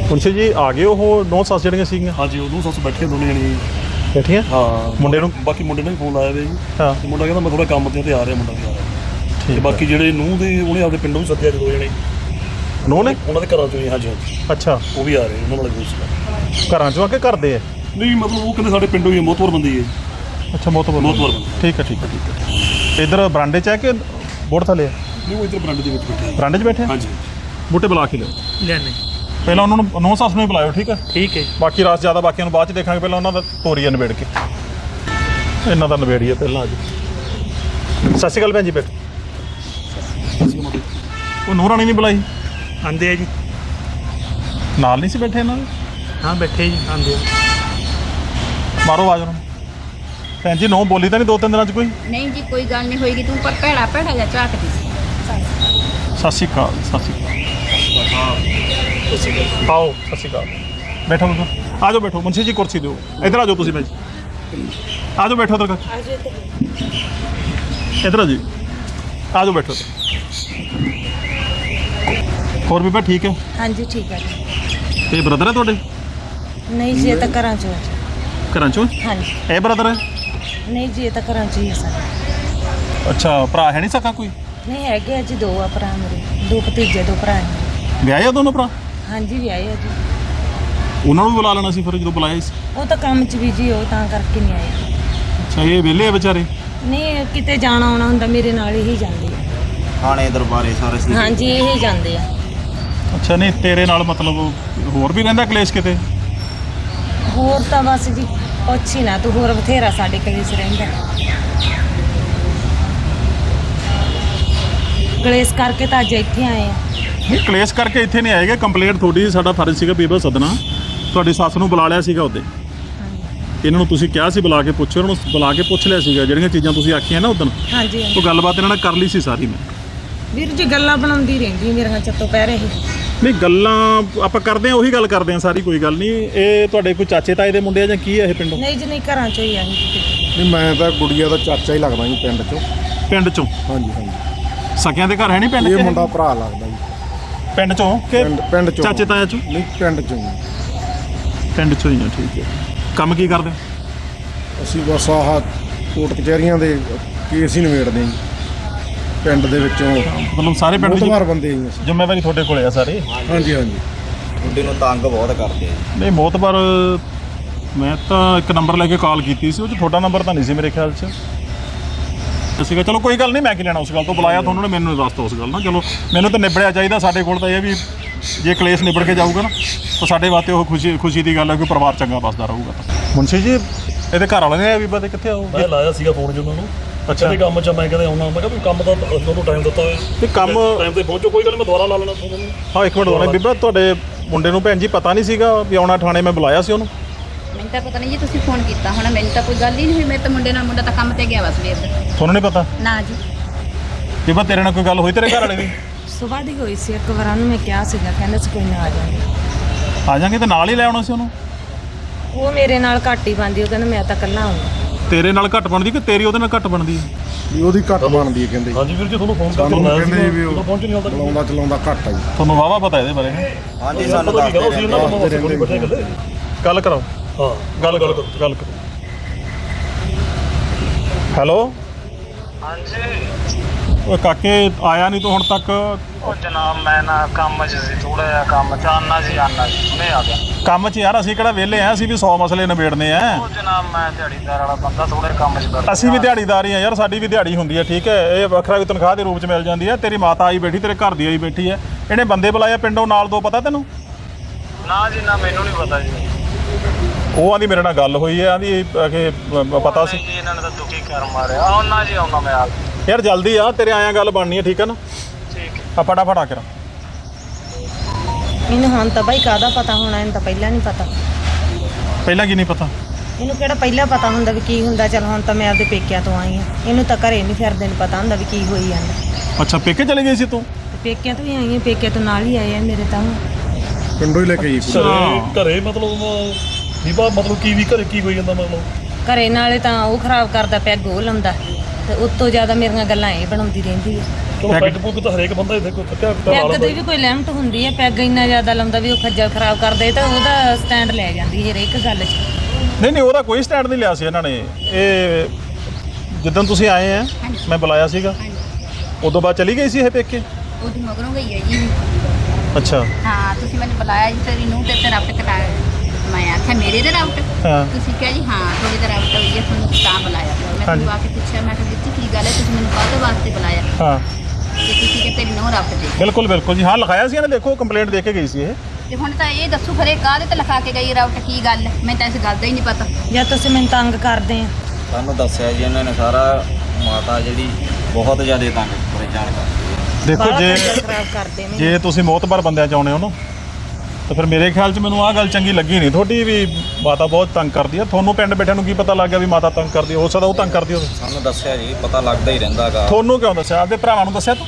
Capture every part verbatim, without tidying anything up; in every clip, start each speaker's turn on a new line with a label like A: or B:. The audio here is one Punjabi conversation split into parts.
A: ਮੁਨਸ਼ੀ ਜੀ ਆ ਗਏ ਉਹ ਨੌ ਸੱਸ ਜਿਹੜੀਆਂ ਸੀਗੀਆਂ?
B: ਹਾਂਜੀ ਉਹ ਨੌ ਸੱਸ ਬੈਠੇ ਦੋਨੇ ਜਣੇ
A: ਬੈਠੀਆਂ।
B: ਹਾਂ
A: ਮੁੰਡੇ ਨੂੰ
B: ਬਾਕੀ ਮੁੰਡੇ ਨੇ ਵੀ ਫੋਨ ਲਾਇਆ ਵੇ ਜੀ।
A: ਹਾਂ
B: ਤੇ ਮੁੰਡਾ ਕਹਿੰਦਾ ਮੈਂ ਥੋੜਾ ਕੰਮ ਤੇ ਆ ਰਿਹਾ, ਮੁੰਡਾ ਵੀ ਆ ਰਿਹਾ। ਤੇ ਬਾਕੀ ਜਿਹੜੇ ਨੂੰਹ ਦੇ ਉਹਨੇ ਆਪਦੇ ਪਿੰਡੋਂ ਵੀ ਸੱਦਿਆ ਦੋ ਜਣੇ
A: ਨੂੰਹ ਨੇ
B: ਉਹਨਾਂ ਦੇ ਘਰਾਂ ਚੋਂ ਹੀ। ਹਾਂਜੀ ਹਾਂਜੀ
A: ਅੱਛਾ
B: ਉਹ ਵੀ ਆ ਰਹੇ, ਉਹਨਾਂ ਨਾਲ ਕੋਈ ਸੀਗਾ।
A: ਘਰਾਂ ਚੋਂ ਆ ਕੇ ਕਰਦੇ ਆ?
B: ਨਹੀਂ ਮਤਲਬ ਉਹ ਕਹਿੰਦੇ ਸਾਡੇ ਪਿੰਡੋਂ ਹੀ ਮੋਤਵਰ ਬੰਦੇ ਹੀ ਹੈ ਜੀ।
A: ਅੱਛਾ ਮੋਤਬਰ
B: ਮੋਤਵਰ ਬੰਦੇ।
A: ਠੀਕ ਹੈ ਠੀਕ ਹੈ ਠੀਕ ਹੈ। ਇੱਧਰ ਬਰਾਂਡੇ 'ਚ ਹੈ ਕਿ ਬੋਰਡ ਥੱਲੇ ਆ?
B: ਨਹੀਂ ਉਹ ਇੱਧਰ ਬਰਾਂਡੇ ਦੇ ਵਿੱਚ ਬੈਠੇ ਆ।
A: ਬਰਾਂਡੇ 'ਚ ਬੈਠੇ?
B: ਹਾਂਜੀ
A: ਬੂਟੇ ਬੁਲਾ ਕੇ ਲਿਓ
C: ਲੈਣੇ।
A: ਪਹਿਲਾਂ ਉਹਨਾਂ ਨੂੰ ਨੌ ਸੱਸ ਨੂੰ ਹੀ ਬੁਲਾਇਓ ਠੀਕ ਹੈ।
C: ਠੀਕ ਹੈ।
A: ਬਾਕੀ ਰਾਸ ਜ਼ਿਆਦਾ ਬਾਕੀਆਂ ਨੂੰ ਬਾਅਦ 'ਚ ਦੇਖਾਂਗੇ, ਪਹਿਲਾਂ ਉਹਨਾਂ ਦਾ ਤੋਰੀਆ ਨਿਬੇੜ ਕੇ ਇਹਨਾਂ ਦਾ ਨਿਬੇੜੀਏ ਪਹਿਲਾਂ। ਅੱਜ ਸਤਿ ਸ਼੍ਰੀ ਅਕਾਲ ਭੈਣ ਜੀ। ਬੈਠ ਉਹ ਨੂੰਹ ਰਾਣੀ ਨਹੀਂ ਬੁਲਾਈ?
C: ਆਂਦੇ ਆ ਜੀ।
A: ਨਾਲ ਨਹੀਂ ਸੀ ਬੈਠੇ ਇਹਨਾਂ ਦੇ?
C: ਹਾਂ ਬੈਠੇ ਜੀ ਆਂਦੇ ਆ।
A: ਮਾਰੋ ਆਵਾਜ਼ ਉਹਨਾਂ ਨੂੰ। ਭੈਣ ਜੀ ਨੌ ਬੋਲੀ ਤਾਂ ਨਹੀਂ ਦੋ ਤਿੰਨ ਦਿਨਾਂ 'ਚ ਕੋਈ?
D: ਨਹੀਂ ਜੀ ਕੋਈ ਗੱਲ ਨਹੀਂ ਹੋਏਗੀ, ਤੂੰ ਪਰ ਭੈੜਾ ਭੈੜਾ ਜਿਹਾ ਝਾਕਦੀ ਸੀ।
A: ਸਤਿ ਸ਼੍ਰੀ ਅਕਾਲ। ਸਤਿ ਸ਼੍ਰੀ ਅਕਾਲ। ਆਓ ਸਤਿ ਸ਼੍ਰੀ ਅਕਾਲ। ਬੈਠੋ ਬੈਠੋ ਆ ਜਾਓ ਬੈਠੋ। ਮੁਨਸ਼ੀ ਜੀ ਕੁਰਸੀ ਦਿਓ। ਇੱਧਰ ਆ ਜਾਓ ਤੁਸੀਂ ਭੈਣ ਜੀ। ਆ ਜਾਓ ਬੈਠੋ ਇੱਧਰ। ਇੱਧਰ ਆ ਜੀ ਆ ਜਾਓ ਬੈਠੋ। ਹੋਰ ਬੀਬਾ ਠੀਕ ਹੈ?
E: ਹਾਂਜੀ ਠੀਕ ਹੈ ਜੀ।
A: ਇਹ ਬ੍ਰਦਰ ਹੈ ਤੁਹਾਡੇ?
E: ਨਹੀਂ ਜੀ ਇਹ ਤਾਂ ਘਰਾਂ ਚੋਂ ਹੈ।
A: ਘਰਾਂ ਚੋਂ?
E: ਹਾਂਜੀ।
A: ਇਹ ਬ੍ਰਦਰ ਹੈ?
E: ਨਹੀਂ ਜੀ ਇਹ ਤਾਂ ਘਰਾਂ ਚੋਂ ਹੀ ਹੈ ਸਾਰੇ।
A: ਅੱਛਾ ਭਰਾ ਹੈ ਨਹੀਂ ਸਕਾ ਕੋਈ?
E: ਨਹੀਂ ਹੈਗੇ ਆ ਜੀ, ਦੋ ਆ ਭਰਾ ਮੇਰੇ, ਦੋ ਭਤੀਜੇ ਦੋ ਭਰਾ ਨੇ।
A: ਵਿਆਹੇ ਆ ਦੋਨੋਂ ਭਰਾ?
E: ਹਾਂਜੀ ਵਿਆਹੇ ਆ ਜੀ।
A: ਉਹਨਾਂ ਨੂੰ ਵੀ ਬੁਲਾ ਲੈਣਾ ਸੀ ਫਿਰ ਜਦੋਂ ਬੁਲਾਇਆ ਸੀ।
E: ਉਹ ਤਾਂ ਕੰਮ 'ਚ ਬਿਜੀ ਹੋ ਤਾਂ ਕਰਕੇ ਨਹੀਂ ਆਏ।
A: ਅੱਛਾ ਇਹ ਵਿਹਲੇ ਆ ਵਿਚਾਰੇ?
E: ਨਹੀਂ ਕਿਤੇ ਜਾਣਾ ਆਉਣਾ ਹੁੰਦਾ ਮੇਰੇ ਨਾਲ ਹੀ ਜਾਂਦੇ ਆ।
F: ਥਾਣੇ ਦਰਬਾਰੇ ਸਾਰੇ ਸੀ।
E: ਹਾਂਜੀ ਇਹ ਜਾਂਦੇ ਆ।
A: ਅੱਛਾ ਨਹੀਂ ਤੇਰੇ ਨਾਲ ਮਤਲਬ ਹੋਰ ਵੀ ਰਹਿੰਦਾ ਕਲੇਸ਼ ਕਿਤੇ?
E: ਹੋਰ ਤਾਂ ਬਸ ਜੀ ਪੁੱਛ ਹੀ ਨਾ ਤੂੰ, ਹੋਰ ਬਥੇਰਾ ਸਾਡੇ ਕਲੇਸ਼ ਰਹਿੰਦਾ। ਕਲੇਸ਼ ਕਰਕੇ ਤਾਂ ਅੱਜ ਇੱਥੇ ਆਏ ਆ।
A: ਨਹੀਂ ਕਲੇਸ਼ ਕਰਕੇ ਇੱਥੇ ਨਹੀਂ ਆਏਗਾ। ਕੰਪਲੇਂਟ ਤੁਹਾਡੀ, ਸਾਡਾ ਫਰਜ਼ ਸੀਗਾ ਬੀਬਾ ਸਦਨਾ। ਤੁਹਾਡੀ ਸੱਸ ਨੂੰ ਬੁਲਾ ਲਿਆ ਸੀਗਾ ਉਹਦੇ। ਇਹਨਾਂ ਨੂੰ ਤੁਸੀਂ ਕਿਹਾ ਸੀ ਬੁਲਾ ਕੇ ਪੁੱਛੋ, ਉਹਨਾਂ ਨੂੰ ਬੁਲਾ ਕੇ ਪੁੱਛ ਲਿਆ ਸੀਗਾ ਜਿਹੜੀਆਂ ਚੀਜ਼ਾਂ ਤੁਸੀਂ ਆਖੀਆਂ ਨਾ ਉਦੋਂ।
E: ਹਾਂਜੀ
A: ਉਹ ਗੱਲਬਾਤ ਇਹਨਾਂ ਨਾਲ ਕਰ ਲਈ ਸੀ ਸਾਰੀ ਮੈਂ।
E: ਵੀਰ ਜੀ ਗੱਲਾਂ ਬਣਾਉਂਦੀ ਰਹਿੰਦੀ ਮੇਰੀਆਂ ਚੱਤੋਂ ਪੈ ਰਹੇ।
A: ਨਹੀਂ ਗੱਲਾਂ ਆਪਾਂ ਕਰਦੇ ਆ, ਉਹੀ ਗੱਲ ਕਰਦੇ ਆ ਸਾਰੀ, ਕੋਈ ਗੱਲ ਨਹੀਂ। ਇਹ ਤੁਹਾਡੇ ਕੋਈ ਚਾਚੇ ਤਾਏ ਦੇ ਮੁੰਡੇ ਆ ਜਾਂ ਕੀ ਆ ਇਹ ਪਿੰਡੋਂ?
E: ਨਹੀਂ ਜੀ ਨਹੀਂ ਘਰਾਂ ਚੋਂ ਹੀ ਆ ਜੀ।
G: ਨਹੀਂ ਮੈਂ ਤਾਂ ਗੁੜੀਆ ਦਾ ਚਾਚਾ ਹੀ ਲੱਗਦਾ ਜੀ ਪਿੰਡ 'ਚੋਂ।
A: ਪਿੰਡ ਚੋਂ?
G: ਹਾਂਜੀ ਹਾਂਜੀ।
A: ਸਕਿਆਂ ਦੇ ਘਰ ਹੈ ਨਹੀਂ ਪਿੰਡ 'ਚ?
G: ਇਹ ਮੁੰਡਾ ਭਰਾ ਲੱਗਦਾ ਜੀ
A: ਪਿੰਡ ਚੋਂ ਕਿ
G: ਪਿੰਡ ਪਿੰਡ 'ਚੋਂ?
A: ਚਾਚੇ ਤਾਇਆ ਚੋਂ?
G: ਨਹੀਂ ਪਿੰਡ 'ਚੋਂ ਜੀ।
A: ਪਿੰਡ ਚੋਂ ਹੀ ਆ। ਠੀਕ ਹੈ। ਕੰਮ ਕੀ ਕਰਦੇ?
G: ਅਸੀਂ ਬਸ ਆਹ ਕੋਰਟ ਕਚਹਿਰੀਆਂ ਦੇ ਕੇਸ ਹੀ ਨਿਬੇੜਦੇ ਹਾਂ ਜੀ ਪਿੰਡ ਦੇ ਵਿੱਚੋਂ।
A: ਮਤਲਬ ਸਾਰੇ ਪਿੰਡ ਦੀ
G: ਮੋਤਬਾਰ ਬੰਦੇ ਹੀ ਅਸੀਂ।
A: ਜ਼ਿੰਮੇਵਾਰੀ ਤੁਹਾਡੇ ਕੋਲੇ ਆ ਸਾਰੇ?
G: ਹਾਂਜੀ ਹਾਂਜੀ।
F: ਮੁੰਡੇ ਨੂੰ ਤੰਗ ਬਹੁਤ ਕਰਦੇ ਆ।
A: ਨਹੀਂ ਮੋਤਬਾਰ ਮੈਂ ਤਾਂ ਇੱਕ ਨੰਬਰ ਲੈ ਕੇ ਕਾਲ ਕੀਤੀ ਸੀ, ਉਹ 'ਚ ਤੁਹਾਡਾ ਨੰਬਰ ਤਾਂ ਨਹੀਂ ਸੀ ਮੇਰੇ ਖਿਆਲ 'ਚ ਸੀਗਾ। ਚਲੋ ਕੋਈ ਗੱਲ ਨਹੀਂ, ਮੈਂ ਕੀ ਲੈਣਾ ਉਸ ਗੱਲ ਤੋਂ। ਬੁਲਾਇਆ ਤੁਹਾਨੂੰ ਨੇ, ਮੈਨੂੰ ਦੱਸਤਾ ਉਸ ਗੱਲ ਨਾਲ। ਚਲੋ ਮੈਨੂੰ ਤਾਂ ਨਿਬੜਿਆ ਚਾਹੀਦਾ। ਸਾਡੇ ਕੋਲ ਤਾਂ ਇਹ ਵੀ ਜੇ ਕਲੇਸ਼ ਨਿਬੜ ਕੇ ਜਾਊਗਾ ਨਾ ਤਾਂ ਸਾਡੇ ਵਾਸਤੇ ਉਹ ਖੁਸ਼ੀ ਖੁਸ਼ੀ ਦੀ ਗੱਲ ਹੈ ਕਿ ਪਰਿਵਾਰ ਚੰਗਾ ਵੱਸਦਾ ਰਹੂਗਾ। ਮੁਨਸ਼ੀ ਜੀ ਇਹਦੇ ਘਰ ਵਾਲੇ ਨੇ ਬੀਬਾ ਦੇ ਕਿੱਥੇ ਆਓ?
B: ਮੈਂ ਲਾਇਆ ਸੀਗਾ ਫੋਨ ਜੀ ਉਹਨਾਂ ਨੂੰ। ਅੱਛਾ ਤੇ ਕੰਮ 'ਚ ਮੈਂ ਕਹਿੰਦਾ ਆਉਣਾ। ਮੈਂ ਕਿਹਾ ਤੂੰ ਕੰਮ ਦਾ ਤੁਹਾਨੂੰ ਟਾਈਮ ਦਿੱਤਾ ਹੋਇਆ
A: ਤੇ ਕੰਮ
B: ਟਾਈਮ ਤੇ ਪਹੁੰਚੋ, ਕੋਈ ਗੱਲ ਮੈਂ ਦੁਬਾਰਾ ਲਾ ਲੈਣਾ ਤੁਹਾਨੂੰ।
A: ਹਾਂ ਇੱਕ ਮਿੰਟ ਹੋਣਾ ਬੀਬਾ, ਤੁਹਾਡੇ ਮੁੰਡੇ ਨੂੰ ਭੈਣ ਜੀ ਪਤਾ ਨਹੀਂ ਸੀਗਾ ਵੀ ਆਉਣਾ ਥਾਣੇ? ਮੈਂ ਬੁਲਾਇਆ ਸੀ ਉਹਨੂੰ।
D: ਮੈਨੂੰ ਤਾਂ ਪਤਾ ਨਹੀਂ ਜੀ, ਤੁਸੀਂ ਫੋਨ ਕੀਤਾ ਹੋਣਾ, ਮੈਨੂੰ ਤਾਂ ਕੋਈ ਗੱਲ ਹੀ ਨਹੀਂ ਹੋਈ। ਮੇਰੇ ਤਾਂ ਮੁੰਡੇ ਨਾਲ, ਮੁੰਡਾ ਤਾਂ ਕੰਮ ਤੇ ਗਿਆ ਵਾ ਸਵੇਰ ਦਾ।
A: ਤੁਹਾਨੂੰ ਨਹੀਂ ਪਤਾ?
D: ਨਾ ਜੀ।
A: ਬੀਬਾ ਤੇਰੇ ਨਾਲ ਕੋਈ ਗੱਲ ਹੋਈ ਤੇਰੇ ਘਰ ਵਾਲੇ ਦੀ?
E: ਸੁਬਾਹ ਦੀ ਹੋਈ ਸੀ ਇੱਕ ਵਾਰ, ਉਹਨੂੰ ਮੈਂ ਕਿਹਾ ਸੀਗਾ, ਕਹਿੰਦਾ ਸੀ ਕੋਈ ਨਾ ਆ ਜਾਵਾਂਗੇ।
A: ਆ ਜਾਾਂਗੇ ਤੇ ਨਾਲ ਹੀ ਲੈ ਆਉਣਾ ਸੀ ਉਹਨੂੰ।
E: ਉਹ ਮੇਰੇ ਨਾਲ ਘੱਟ ਹੀ ਬਣਦੀ, ਉਹ ਕਹਿੰਦਾ ਮੈਂ ਤਾਂ ਇਕੱਲਾ ਆਉਂਗਾ।
A: ਤੇਰੇ ਨਾਲ ਘੱਟ ਬਣਦੀ ਕਿ ਤੇਰੀ ਉਹਦੇ ਨਾਲ ਘੱਟ ਬਣਦੀ?
G: ਵੀ ਉਹਦੀ ਘੱਟ ਬਣਦੀ ਹੈ ਕਹਿੰਦੇ।
B: ਹਾਂਜੀ ਵੀਰ ਜੀ ਤੁਹਾਨੂੰ ਫੋਨ ਕਰਕੇ
G: ਸਾਨੂੰ
B: ਲਾਇਆ
G: ਕਹਿੰਦੇ ਵੀ
B: ਸੀ,
G: ਉਹ
B: ਪਹੁੰਚ ਨਹੀਂ ਹੁੰਦਾ।
G: ਚਲਾਉਂਦਾ ਚਲਾਉਂਦਾ ਘੱਟ ਆ ਜੀ।
A: ਤੁਹਾਨੂੰ ਵਾਵਾ ਪਤਾ ਇਹਦੇ ਬਾਰੇ?
F: ਹਾਂਜੀ ਸਾਨੂੰ ਦੱਸਦੇ ਰਹਿੰਦੇ।
A: ਗੱਲ ਕਰਾਓ।
B: ਹਾਂ
A: ਗੱਲ ਗੱਲ ਕਰੋ ਗੱਲ ਕਰੋ। ਹੈਲੋ
C: ਹਾਂਜੀ।
A: ਉਹ ਕਾਕੇ ਆਇਆ ਨਹੀਂ ਤੂੰ ਹੁਣ ਤੱਕ?
C: ਉਹ ਜਨਾਬ ਮੈਂ ਨਾ ਕੰਮ 'ਚ ਸੀ, ਥੋੜਾ ਜਿਹਾ ਕੰਮ 'ਚ ਆਨਾ ਜੀ ਆਨਾ ਜੀ ਹੁਣੇ ਆ ਗਿਆ
A: ਕੰਮ 'ਚ ਯਾਰ। ਅਸੀਂ ਕਿਹੜਾ ਵਿਹਲੇ ਆ? ਅਸੀਂ ਵੀ ਸੌ ਮਸਲੇ ਨਿਬੇੜਨੇ ਆ।
C: ਉਹ ਜਨਾਬ ਮੈਂ ਦਿਹਾੜੀਦਾਰ ਵਾਲਾ ਬੰਦਾ, ਥੋੜੇ ਕੰਮ 'ਚ ਕਰਦਾ।
A: ਅਸੀਂ ਵੀ ਦਿਹਾੜੀਦਾਰ ਹੀ ਆ ਯਾਰ, ਸਾਡੀ ਵੀ ਦਿਹਾੜੀ ਹੁੰਦੀ ਹੈ ਠੀਕ ਹੈ। ਇਹ ਵੱਖਰਾ ਵੀ ਤਨਖਾਹ ਦੇ ਰੂਪ 'ਚ ਮਿਲ ਜਾਂਦੀ ਹੈ। ਤੇਰੀ ਮਾਤਾ ਆਈ ਬੈਠੀ, ਤੇਰੇ ਘਰ ਦੀ ਆਈ ਬੈਠੀ ਹੈ। ਇਹਨੇ ਬੰਦੇ ਬੁਲਾਇਆ ਪਿੰਡੋਂ ਨਾਲ ਦੋ, ਪਤਾ ਤੈਨੂੰ?
C: ਨਾ ਜੀ ਨਾ ਮੈਨੂੰ ਨਹੀਂ ਪਤਾ ਜੀ।
A: ਉਹ ਆਂਦੀ ਮੇਰੇ ਨਾਲ ਗੱਲ ਹੋਈ ਹੈ, ਆਂਦੀ ਕਿ ਪਤਾ ਸੀ।
C: ਜੀ ਇਹਨਾਂ ਨੇ ਤਾਂ ਦੁਖੀ ਕਰ ਮਾਰਿਆ। ਆਉਣਾ ਜੀ ਆਉਣਾ ਮੈਂ ਆ
A: ਯਾਰ ਜਲਦੀ ਆ, ਤੇਰੇ ਆਇਆ ਗੱਲ ਬਣਨੀ ਹੈ ਠੀਕ ਹੈ ਨਾ?
C: ਠੀਕ ਹੈ।
A: ਆ ਫਟਾਫਟ ਆ ਕੇ
E: ਇਹਨੂੰ ਹੁਣ ਤਾਂ ਬਾਈ ਕਾਹਦਾ ਪਤਾ ਹੋਣਾ, ਇਹਨੂੰ ਤਾਂ ਪਹਿਲਾਂ ਨਹੀਂ ਪਤਾ।
A: ਪਹਿਲਾਂ ਕੀ ਨਹੀਂ ਪਤਾ?
E: ਇਹਨੂੰ ਕਿਹੜਾ ਪਹਿਲਾਂ ਪਤਾ ਹੁੰਦਾ ਵੀ ਕੀ ਹੁੰਦਾ। ਚੱਲ ਹੁਣ ਤਾਂ ਮੈਂ ਆਪਦੇ ਪੇਕਿਆਂ ਤੋਂ ਆਈ ਹਾਂ, ਇਹਨੂੰ ਤਾਂ ਘਰੇ ਨਹੀਂ ਫਿਰਦੇ ਨੂੰ ਪਤਾ ਹੁੰਦਾ ਵੀ ਕੀ ਹੋਈ ਜਾਂਦਾ।
A: ਅੱਛਾ ਪੇਕੇ ਚਲੇ ਗਈ ਸੀ ਤੂੰ?
E: ਤੇ ਪੇਕਿਆਂ ਤੋਂ ਹੀ ਆਈ ਹਾਂ, ਪੇਕਿਆਂ ਤੋਂ ਨਾਲ ਹੀ ਆਏ ਆ ਮੇਰੇ ਤਾਂ।
G: ਪਿੰਡੋਂ ਹੀ ਲੈ ਕੇ ਆਈ ਕੁੜੀ।
B: ਘਰੇ ਘਰੇ ਮਤਲਬ ਬੀਬਾ ਮਤਲਬ ਕੀ ਵੀ ਘਰੇ ਕੀ ਹੋਈ ਜਾਂਦਾ? ਮਤਲਬ
E: ਘਰੇ ਨਾਲੇ ਤਾਂ ਉਹ ਖਰਾਬ ਕਰਦਾ ਪਿਆ, ਗੋਹ ਲਾਉਂਦਾ, ਤੇ ਉਸ ਤੋਂ ਜ਼ਿਆਦਾ ਮੇਰੀਆਂ ਗੱਲਾਂ ਇਹ ਬਣਾਉਂਦੀ ਰਹਿੰਦੀ ਹੈ।
B: ਚਲੋ ਪੈਗ ਪੁੱਗ ਤਾਂ ਹਰੇਕ ਬੰਦਾ ਇੱਥੇ ਕੋਈ ਥੱਕਿਆ ਟੁੱਟਾ ਲਾ
E: ਪੈਗ
B: ਲੈਂਦਾ
E: ਦੀ ਵੀ ਕੋਈ ਲਿਮਟ ਹੁੰਦੀ ਹੈ। ਪੈਗ ਇੰਨਾ ਜ਼ਿਆਦਾ ਲਾਉਂਦਾ ਵੀ ਉਹ ਖੱਜਲ ਖਰਾਬ ਕਰਦੇ ਤਾਂ ਉਹਦਾ ਸਟੈਂਡ ਲੈ ਜਾਂਦੀ ਹੈ ਹਰੇਕ ਗੱਲ 'ਚ।
A: ਨਹੀਂ ਨਹੀਂ ਉਹਦਾ ਕੋਈ ਸਟੈਂਡ ਨਹੀਂ ਲਿਆ ਸੀ ਇਹਨਾਂ ਨੇ। ਇਹ ਜਿੱਦਣ ਤੁਸੀਂ ਆਏ ਆ ਮੈਂ ਬੁਲਾਇਆ ਸੀਗਾ ਉਦੋਂ ਬਾਅਦ ਚਲੀ ਗਈ ਸੀ ਇਹ ਪੇਕੇ।
D: ਉਹਦੀ ਮਗਰੋਂ ਗਈ ਹੈ ਜੀ।
A: ਅੱਛਾ
D: ਹਾਂ ਤੁਸੀਂ ਮੈਨੂੰ ਬੁਲਾਇਆ ਜੀ ਤੇਰੀ ਨੂੰ ਤੇ ਤੇਰਾ ਰਾਊਟ ਕਟਾ ਮੈਂ ਆਖਿਆ ਮੇਰੇ ਦੇ ਰਾਊਟ
A: ਹਾਂ
D: ਤੁਸੀਂ ਕਿਹਾ ਜੀ ਹਾਂ ਤੁਹਾਡੇ ਦਾ ਰਾਊਟ ਹੋਈ ਹੈ ਤੁਹਾਨੂੰ ਤਾਂ ਬੁਲਾਇਆ ਮੈਂ
A: ਹਾਂਜੀ।
D: ਤੁਹਾਨੂੰ ਆ ਕੇ ਪੁੱਛਿਆ ਮੈਂ ਕਿਹਾ ਵੀਰ ਜੀ ਕੀ ਗੱਲ ਹੈ ਤੁਸੀਂ ਮੈਨੂੰ ਕਾਹਦੇ ਵਾਸਤੇ ਬੁਲਾਇਆ
A: ਹਾਂ
D: ਤੇ ਤੁਸੀਂ ਕਿ ਤੇਰੀ ਨੂੰ ਰਾਊਟ ਦੇ
A: ਬਿਲਕੁਲ ਬਿਲਕੁਲ ਜੀ ਹਾਂ ਲਿਖਾਇਆ ਸੀ ਇਹਨੇ ਦੇਖੋ ਕੰਪਲੇਂਟ ਦੇ ਕੇ ਗਈ ਸੀ ਇਹ।
D: ਤੇ ਹੁਣ ਤਾਂ ਇਹ ਦੱਸੋ ਖਰੇ ਕਾਹਦੇ ਤੇ ਲਿਖਾ ਕੇ ਗਈ ਰਾਊਟ ਕੀ ਗੱਲ ਮੈਨੂੰ ਤਾਂ ਇਸ ਗੱਲ ਦਾ ਹੀ ਨਹੀਂ ਪਤਾ।
E: ਜਾਂ ਤੁਸੀਂ ਮੈਨੂੰ ਤੰਗ ਕਰਦੇ ਆ।
F: ਸਾਨੂੰ ਦੱਸਿਆ ਜੀ ਇਹਨਾਂ ਨੇ ਸਾਰਾ ਮਾਤਾ ਜਿਹੜੀ ਬਹੁਤ ਜ਼ਿਆਦਾ ਤੰਗ ਪਰੇਸ਼ਾਨ ਕਰਦੀ ਹੈ।
A: ਦੇਖੋ
E: ਬਾਹਲਾ
A: ਜੇ
E: ਖੱਜਲ ਖਰਾਬ ਕਰਦੇ ਨੇ।
A: ਜੇ ਤੁਸੀਂ ਮੋਤਬਰ ਬੰਦਿਆਂ ਚ ਆਉਣੇ ਹੋ ਨਾ ਤਾਂ ਫਿਰ ਮੇਰੇ ਖਿਆਲ 'ਚ ਮੈਨੂੰ ਆਹ ਗੱਲ ਚੰਗੀ ਲੱਗੀ ਨਹੀਂ ਤੁਹਾਡੀ ਵੀ ਮਾਤਾ ਬਹੁਤ ਤੰਗ ਕਰਦੀ ਆ। ਤੁਹਾਨੂੰ ਪਿੰਡ ਬੈਠਿਆਂ ਨੂੰ ਕੀ ਪਤਾ ਲੱਗ ਗਿਆ ਵੀ ਮਾਤਾ ਤੰਗ ਕਰਦੀ ਆ? ਹੋ ਸਕਦਾ ਉਹ ਤੰਗ ਕਰਦੀ ਹੋਵੇ।
F: ਸਾਨੂੰ ਦੱਸਿਆ ਜੀ ਪਤਾ ਲੱਗਦਾ ਹੀ ਰਹਿੰਦਾ ਗਾ।
A: ਤੁਹਾਨੂੰ ਕਿਉਂ ਦੱਸਿਆ? ਆਪਦੇ ਭਰਾਵਾਂ ਨੂੰ ਦੱਸਿਆ ਤੂੰ?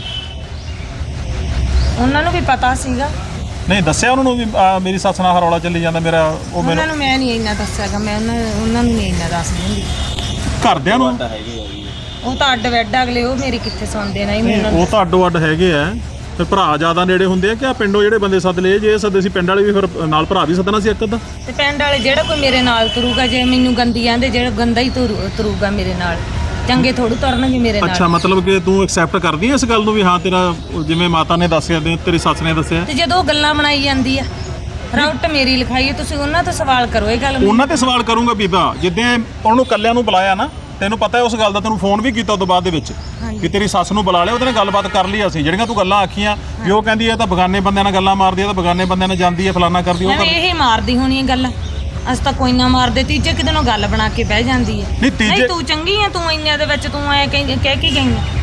E: ਉਹਨਾਂ ਨੂੰ ਵੀ ਪਤਾ ਸੀਗਾ।
A: ਨਹੀਂ ਦੱਸਿਆ ਉਹਨਾਂ ਨੂੰ ਵੀ ਆਹ ਮੇਰੀ ਸੱਸ ਨਾਲ ਰੌਲਾ ਚੱਲੀ ਜਾਂਦਾ ਮੇਰਾ ਉਹ
E: ਉਹਨਾਂ
A: ਮੈਨੂੰ
E: ਨੂੰ ਮੈਂ ਨਹੀਂ ਇੰਨਾ ਦੱਸਿਆਗਾ। ਮੈਂ ਉਹਨਾਂ ਉਹਨਾਂ ਨੂੰ ਨਹੀਂ ਇੰਨਾ ਦੱਸ ਦਿੰਦੀ।
A: ਘਰਦਿਆਂ ਨੂੰ
F: ਤਾਂ ਹੈਗੀ ਆ ਜੀ।
E: ਉਹ ਤਾਂ ਅੱਡ ਵੈਡ ਅਗਲੇ ਉਹ ਮੇਰੀ ਕਿੱਥੇ ਸੁਣਦੇ ਨਹੀਂ
A: ਨਹੀਂ
E: ਮੈਨੂੰ।
A: ਉਹ ਤਾਂ ਅੱਡੋ ਅੱਡ ਹੈਗੇ ਆ ਫਿਰ ਭਰਾ ਜ਼ਿਆਦਾ ਨੇੜੇ ਹੁੰਦੇ ਆ ਕਿ ਆ ਪਿੰਡੋਂ ਜਿਹੜੇ ਬੰਦੇ ਸੱਦ ਲਏ ਜੇ ਸੱਦੇ ਸੀ ਪਿੰਡ ਵਾਲੇ ਵੀ ਫਿਰ ਨਾਲ ਭਰਾ ਵੀ ਸੱਦਣਾ ਸੀ ਇੱਕ ਅੱਧਾ।
E: ਤੇ ਪਿੰਡ ਵਾਲੇ ਜਿਹੜਾ ਕੋਈ ਮੇਰੇ ਨਾਲ ਤੁਰੂਗਾ ਜੇ ਮੈਨੂੰ ਗੰਦੀ ਆਂਦੇ ਜਿਹੜਾ ਗੰਦਾ ਹੀ ਤੁਰੂ- ਤੁਰੂਗਾ ਮੇਰੇ ਨਾਲ ਚੰਗੇ ਥੋੜੂ ਤੁਰਨਗੇ ਮੇਰੇ ਨਾਲ।
A: ਅੱਛਾ ਮਤਲਬ ਕਿ ਤੂੰ ਐਕਸੈਪਟ ਕਰਦੀ ਹੈ ਇਸ ਗੱਲ ਨੂੰ ਵੀ ਹਾਂ ਤੇਰਾ ਜਿਵੇਂ ਮਾਤਾ ਨੇ ਦੱਸਿਆ ਤੇ ਤੇਰੀ ਸੱਸ ਨੇ ਦੱਸਿਆ
E: ਤੇ ਜਦੋਂ ਉਹ ਗੱਲਾਂ ਬਣਾਈ ਜਾਂਦੀ ਆ ਰਾਊਟ ਮੇਰੀ ਲਿਖਾਈ ਹੈ ਤੁਸੀਂ ਉਹਨਾਂ ਤੋਂ ਸਵਾਲ ਕਰੋ ਇਹ ਗੱਲ।
A: ਉਹਨਾਂ ਤੇ ਸਵਾਲ ਕਰੂੰਗਾ ਬੀਬਾ ਜਿੱਦਾਂ ਉਹਨੂੰ ਕੱਲਿਆਂ ਨੂੰ ਬੁਲਾਇਆ ਨਾ ਤੈਨੂੰ ਪਤਾ ਹੈ ਉਸ ਗੱਲ ਦਾ ਤੈਨੂੰ ਫੋਨ ਵੀ ਕੀਤਾ ਉਦੋਂ ਬਾਅਦ ਦੇ ਵਿੱਚ ਕਿ ਤੇਰੀ ਸੱਸ ਨੂੰ ਬੁਲਾ ਲਿਆ ਉਹਦੇ ਨਾਲ ਗੱਲਬਾਤ ਕਰ ਲਈ ਅਸੀਂ ਜਿਹੜੀਆਂ ਤੂੰ ਗੱਲਾਂ ਆਖੀਆਂ ਵੀ ਉਹ ਕਹਿੰਦੀ ਹੈ ਤਾਂ ਬਗਾਨੇ ਬੰਦਿਆਂ ਨਾਲ ਗੱਲਾਂ ਮਾਰਦੀ ਹੈ ਤਾਂ ਬਗਾਨੇ ਬੰਦਿਆਂ ਨਾਲ ਜਾਂਦੀ ਹੈ ਫਲਾਨਾ ਕਰਦੀ ਉਹ
E: ਐਵੇਂ
A: ਕਰ
E: ਇਹ ਮਾਰਦੀ ਹੋਣੀ ਹੈ ਗੱਲ। ਅਸੀਂ ਤਾਂ ਕੋਈ ਨਾ ਮਾਰਦੇ ਤੀਜੇ ਕਿਤੇ ਨੂੰ ਗੱਲ ਬਣਾ ਕੇ ਬਹਿ ਜਾਂਦੀ ਹੈ।
A: ਨਹੀਂ ਤੀਜੇ
E: ਤੂੰ ਚੰਗੀ ਆ ਤੂੰ ਇੰਨਿਆਂ ਦੇ ਵਿੱਚ ਤੂੰ ਐ ਕਹਿ ਕਹਿ ਕੇ ਗਈ ਆ।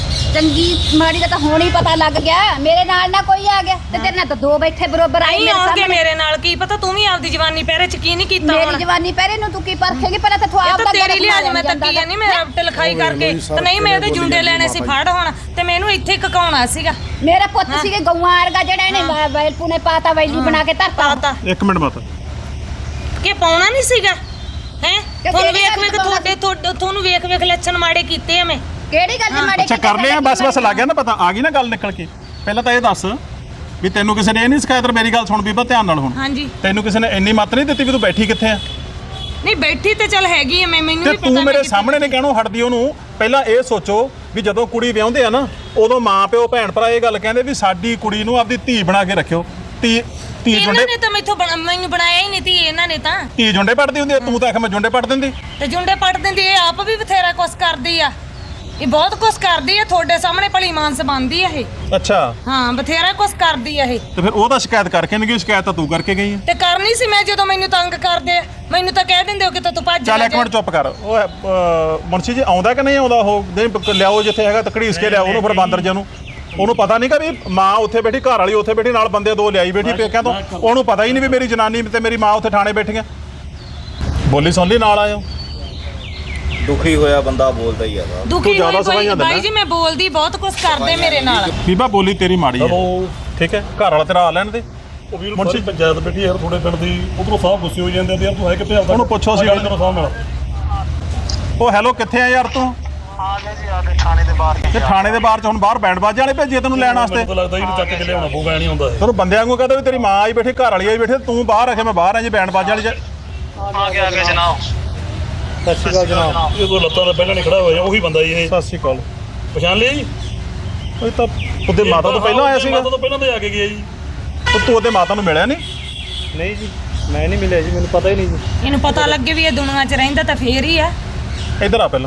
D: ਚੰਗੀ ਮਾੜੀ ਦਾ ਤਾਂ ਹੁਣ ਹੀ ਪਤਾ ਲੱਗ ਗਿਆ ਮੇਰੇ ਨਾਲ ਨਾ ਕੋਈ ਆ ਗਿਆ ਤੇ ਤੇਰੇ ਨਾਲ ਤਾਂ ਦੋ ਬੈਠੇ ਬਰੋਬਰ ਆਏ
E: ਨਹੀਂ
D: ਮੇਰੇ
E: ਆਉਣਗੇ
D: ਸਾਹਮਣੇ।
E: ਮੇਰੇ ਨਾਲ ਕੀ ਪਤਾ ਤੂੰ ਵੀ ਆਪਦੀ ਜਵਾਨੀ ਪਹਿਰੇ ਚ ਕੀ ਨਹੀਂ ਕੀਤਾ
D: ਮੇਰੀ
E: ਹੁਣ।
D: ਜਵਾਨੀ ਪਹਿਰੇ ਨੂੰ ਤੂੰ ਕੀ ਪਰਖੇਗੀ ਪਹਿਲਾਂ ਤਾਂ ਤੂੰ
E: ਇਹ
D: ਆਪ
E: ਤਾਂ
D: ਦਾ
E: ਤੇਰੀ ਲਿਹਾਜ਼ ਮੈਂ ਤੱਕੀ ਆ ਨਹੀਂ ਮੈਂ ਰਾਊਟ ਲਿਖਾਈ ਕਰਕੇ ਤੇ ਨਹੀਂ ਮੈਂ ਇਹਦੇ ਜੁੰਡੇ ਲੈਣੇ ਸੀ ਫੜ ਹੁਣ ਤੇ ਮੈਨੂੰ ਇੱਥੇ ਕਕਾਉਣਾ ਸੀਗਾ।
D: ਮੇਰਾ ਪੁੱਤ ਸੀਗੇ ਗਊਆਂ ਵਰਗਾ ਜਿਹੜਾ ਇਹਨੇ ਵੈਲਪੂ ਨੇ ਪਾਤਾ ਵੈਲੀ ਬਣਾ ਕੇ ਧਰਤਾ
E: ਪਾਤਾ
A: ਇੱਕ ਮਿੰਟ ਮਾਤਾ
E: ਕਿ ਪਾਉਣਾ ਨਹੀਂ ਸੀਗਾ ਹੈ ਤੁਹਾਨੂੰ
D: ਕਿਹੜੀ
E: ਵੇਖ
D: ਗੱਲ
E: ਵੇਖ
D: ਦੀ
E: ਤੁਹਾਡੇ ਤੁਹਾਡੇ- ਤੁਹਾਨੂੰ ਵੇਖ ਵੇਖ ਲੱਛਣ ਮਾੜੇ ਕੀਤੇ ਆ ਮੈਂ।
D: ਕਿਹੜੀ ਗੱਲ ਦੇ ਮਾੜੇ
A: ਅੱਛਾ ਕਰ ਲਿਆ ਬਸ ਬਸ ਲੱਗ ਗਿਆ ਨਾ ਪਤਾ ਆ ਗਈ ਨਾ ਗੱਲ ਨਿਕਲ ਕੇ। ਪਹਿਲਾਂ ਤਾਂ ਇਹ ਦੱਸ ਵੀ ਤੈਨੂੰ ਕਿਸੇ ਨੇ ਇਹ ਨਹੀਂ ਸਿਖਾਇਆ ਤੇ ਮੇਰੀ ਗੱਲ ਸੁਣ ਬੀਬਾ ਧਿਆਨ ਨਾਲ ਹੁਣ
E: ਹਾਂਜੀ
A: ਤੈਨੂੰ ਕਿਸੇ ਨੇ ਇੰਨੀ ਮੱਤ ਨਹੀਂ ਦਿੱਤੀ ਵੀ ਤੂੰ ਬੈਠੀ ਕਿੱਥੇ ਆ
E: ਨਹੀਂ ਬੈਠੀ ਤੇ ਚੱਲ ਹੈਗੀ ਆ ਮੈਂ ਮੈਨੂੰ
A: ਤੇ
E: ਵੀ ਪਤਾ
A: ਤੂੰ
E: ਮੈਂ
A: ਮੇਰੇ
E: ਕਿੱਥੇ-
A: ਸਾਹਮਣੇ ਨੇ ਕਹਿਣੋਂ ਹਟਦੀ ਉਹਨੂੰ। ਪਹਿਲਾਂ ਇਹ ਸੋਚੋ ਵੀ ਜਦੋਂ ਕੁੜੀ ਵਿਆਹੁੰਦੇ ਆ ਨਾ ਉਦੋਂ ਮਾਂ ਪਿਓ ਭੈਣ ਭਰਾ ਇਹ ਗੱਲ ਕਹਿੰਦੇ ਵੀ ਸਾਡੀ ਕੁੜੀ ਨੂੰ ਆਪਦੀ ਧੀ ਬਣਾ ਕੇ ਰੱਖਿਓ। ਧੀ ਧੀ
E: ਇਹਨਾਂ
A: ਜੁੰਡੇ
E: ਨੇ ਤਾਂ ਮੈਥੋਂ ਬਣਾ- ਮੈਨੂੰ ਬਣਾਇਆ ਹੀ ਨਹੀਂ ਤੀ ਇਹਨਾਂ ਨੇ ਤਾਂ
A: ਧੀ ਜੁੰਡੇ ਪੜਦੀ ਹੁੰਦੀ ਆ, ਤੂੰ ਤਾਂ ਆਖ ਮੈਂ ਜੁੰਡੇ ਪੜ ਦਿੰਦੀ।
E: ਤੇ ਜੁੰਡੇ ਪੱਟ ਦਿੰਦੀ ਇਹ ਆਪ ਵੀ ਬਥੇਰਾ ਕੁਛ ਕਰਦੀ ਆ। ਇਹ ਬਹੁਤ ਕੁਛ ਕਰਦੀ ਆ ਤੁਹਾਡੇ ਸਾਹਮਣੇ ਭਲੀ ਮਾਨਸ ਬਣਦੀ ਆ ਇਹ।
A: ਅੱਛਾ
E: ਹਾਂ ਬਥੇਰਾ ਕੁਛ ਕਰਦੀ ਆ ਇਹ
A: ਤੇ ਫਿਰ ਉਹ ਤਾਂ ਸ਼ਿਕਾਇਤ ਕਰਕੇ ਨਹੀਂ ਗਈ ਸ਼ਿਕਾਇਤ ਤਾਂ ਤੂੰ ਕਰਕੇ ਗਈ ਆ।
E: ਤੇ ਕਰਨੀ ਸੀ ਮੈਂ ਜਦੋਂ ਮੈਨੂੰ ਤੰਗ ਕਰਦੇ ਆ ਮੈਨੂੰ ਤਾਂ ਕਹਿ ਦਿੰਦੇ ਹੋ ਕਿ ਤੂੰ ਭੱਜ
A: ਚੱਲ
E: ਜਾ
A: ਇੱਕ ਮਿੰਟ ਚੁੱਪ ਕਰ ਉਹ ਅਹ, ਮੁਨਸ਼ੀ ਜੀ ਆਉਂਦਾ ਕਿ ਨਹੀਂ ਆਉਂਦਾ ਉਹ ਨਹੀਂ ਲਿਆਓ ਜਿੱਥੇ ਹੈਗਾ ਤਕੜੀਸ ਕੇ ਲਿਆਓ ਉਹਨੂੰ ਫਿਰ ਬਾਂਦਰ ਜੀ ਨੂੰ। ਉਹਨੂੰ ਪਤਾ ਨਹੀਂ ਕਿ ਵੀ ਮਾਂ ਉੱਥੇ ਬੈਠੀ ਘਰ ਵਾਲੀ ਉੱਥੇ ਬੈਠੀ ਨਾਲ ਬੰਦੇ ਦੋ ਲਿਆਈ ਬੈਠੀ ਪੇਕਿਆਂ ਤੋਂ। ਉਹਨੂੰ ਪਤਾ ਹੀ ਨਹੀਂ ਵੀ ਮੇਰੀ ਜਨਾਨੀ ਤੇ ਮੇਰੀ ਮਾਂ ਉੱਥੇ ਥਾਣੇ ਬੈਠੀਆਂ। ਬੋਲੀ ਸੁਣ ਲਈ ਨਾਲ ਆਇਓ।
F: ਦੁਖੀ ਹੋਇਆ ਬੰਦਾ ਬੋਲਦਾ ਹੀ ਆ ਵਾ।
E: ਦੁਖੀ
A: ਜ਼ਿਆਦਾ
E: ਹੋਈ
A: ਸਮਝ
E: ਬਾਈ
A: ਜਾਂਦਾ
E: ਬਾਈ
A: ਨਾ।
E: ਜੀ ਮੈਂ ਬੋਲਦੀ ਬਹੁਤ ਕੁਛ ਕਰਦੇ ਮੇਰੇ ਨਾਲ।
A: ਬੀਬਾ ਬੋਲੀ ਤੇਰੀ ਮਾੜੀ ਹੈ
B: ਚਲੋ
A: ਠੀਕ ਹੈ ਘਰ ਵਾਲਾ ਤੇਰਾ ਆ ਲੈਣ ਦੇ।
B: ਉਹ ਵੀਰ ਮੁੰਸ਼ੀ ਪੰਚਾਇਤ ਬੈਠੀ ਯਾਰ ਤੁਹਾਡੇ ਪਿੰਡ ਦੀ ਉਧਰੋਂ ਸਾਹਿਬ ਗੁੱਸੇ ਹੋ ਜਾਂਦੇ ਆ ਯਾਰ ਤੂੰ ਹੈ ਕਿੱਥੇ ਆਪਦਾ
A: ਉਹਨੂੰ ਪੁੱਛੋ ਅਸੀਂ
B: ਗੱਲ ਕਰੋ ਸਾਹਿਬ ਨਾਲ।
A: ਉਹ ਹੈਲੋ ਕਿੱਥੇ ਆ ਯਾਰ ਤੂੰ?
C: ਆ ਗਏ ਜੀ ਆ ਗਏ ਥਾਣੇ ਦੇ ਬਾਹਰ
A: ਤੇ ਥਾਣੇ ਦੇ ਬਾਹਰ ਚ ਹੁਣ ਬਾਹਰ ਬੈਂਡ ਬਾਜੇ ਵਾਲੇ ਭੇਜੀਏ ਤੈਨੂੰ ਲੈਣ ਵਾਸਤੇ।
B: ਮੈਨੂੰ ਤਾਂ ਲੱਗਦਾ ਇਹਨੂੰ ਚੱਕ ਕੇ ਲਿਆਉਣਾ ਪਊਗਾ ਨਹੀਂ ਹੁੰਦਾ ਇਹ।
A: ਤੈਨੂੰ ਬੰਦਿਆਂ ਵਾਂਗੂ ਕਹਦਾ ਵੀ ਤੇਰੀ ਮਾਂ ਆਈ ਬੈਠੀ ਘਰ ਵਾਲੀ ਆਈ ਬੈਠੀ ਤੂੰ ਬਾਹਰ ਆ ਕੇ ਮੈਂ ਬਾਹਰ ਆ ਜੀ ਬੈਂਡ ਬਾਜੇ ਵਾਲੀ ਚ।
C: ਆ ਗਿਆ ਆ ਗਿਆ ਜਨਾਬ।
A: ਸਤਿ ਸ਼੍ਰੀ ਅਕਾਲ ਜਨਾਬ।
B: ਇਹ ਕੋਈ ਲੱਤਾਂ ਦਾ ਪਹਿਲਾਂ ਨਹੀਂ ਖੜਾ ਹੋਇਆ ਉਹੀ ਬੰਦਾ ਜੀ ਇਹ।
A: ਸਤਿ ਸ਼੍ਰੀ ਅਕਾਲ।
B: ਪਛਾਣ ਲਿਆ ਜੀ?
A: ਉਹ ਤਾਂ ਉਹਦੇ ਮਾਤਾ ਤੋਂ ਪਹਿਲਾਂ ਆਇਆ ਸੀਗਾ।
B: ਮਾਤਾ ਤੋਂ ਪਹਿਲਾਂ ਤੇ ਆ ਕੇ ਗਿਆ ਜੀ।
A: ਉਹ ਤੂੰ ਉਹਦੇ ਮਾਤਾ ਨੂੰ ਮਿਲਿਆ ਨਹੀਂ?
H: ਨਹੀਂ ਜੀ ਮੈਂ ਨਹੀਂ ਮਿਲਿਆ ਜੀ ਮੈਨੂੰ ਪਤਾ ਹੀ ਨਹੀਂ ਜੀ।
E: ਇਹਨੂੰ ਪਤਾ ਲੱਗੇ ਵੀ ਇਹ ਦੁਨੀਆ 'ਚ ਰਹਿੰਦਾ ਤਾਂ ਫੇਰ ਹੀ ਆ।
A: ਇੱਧਰ ਆ ਪਹਿਲਾਂ।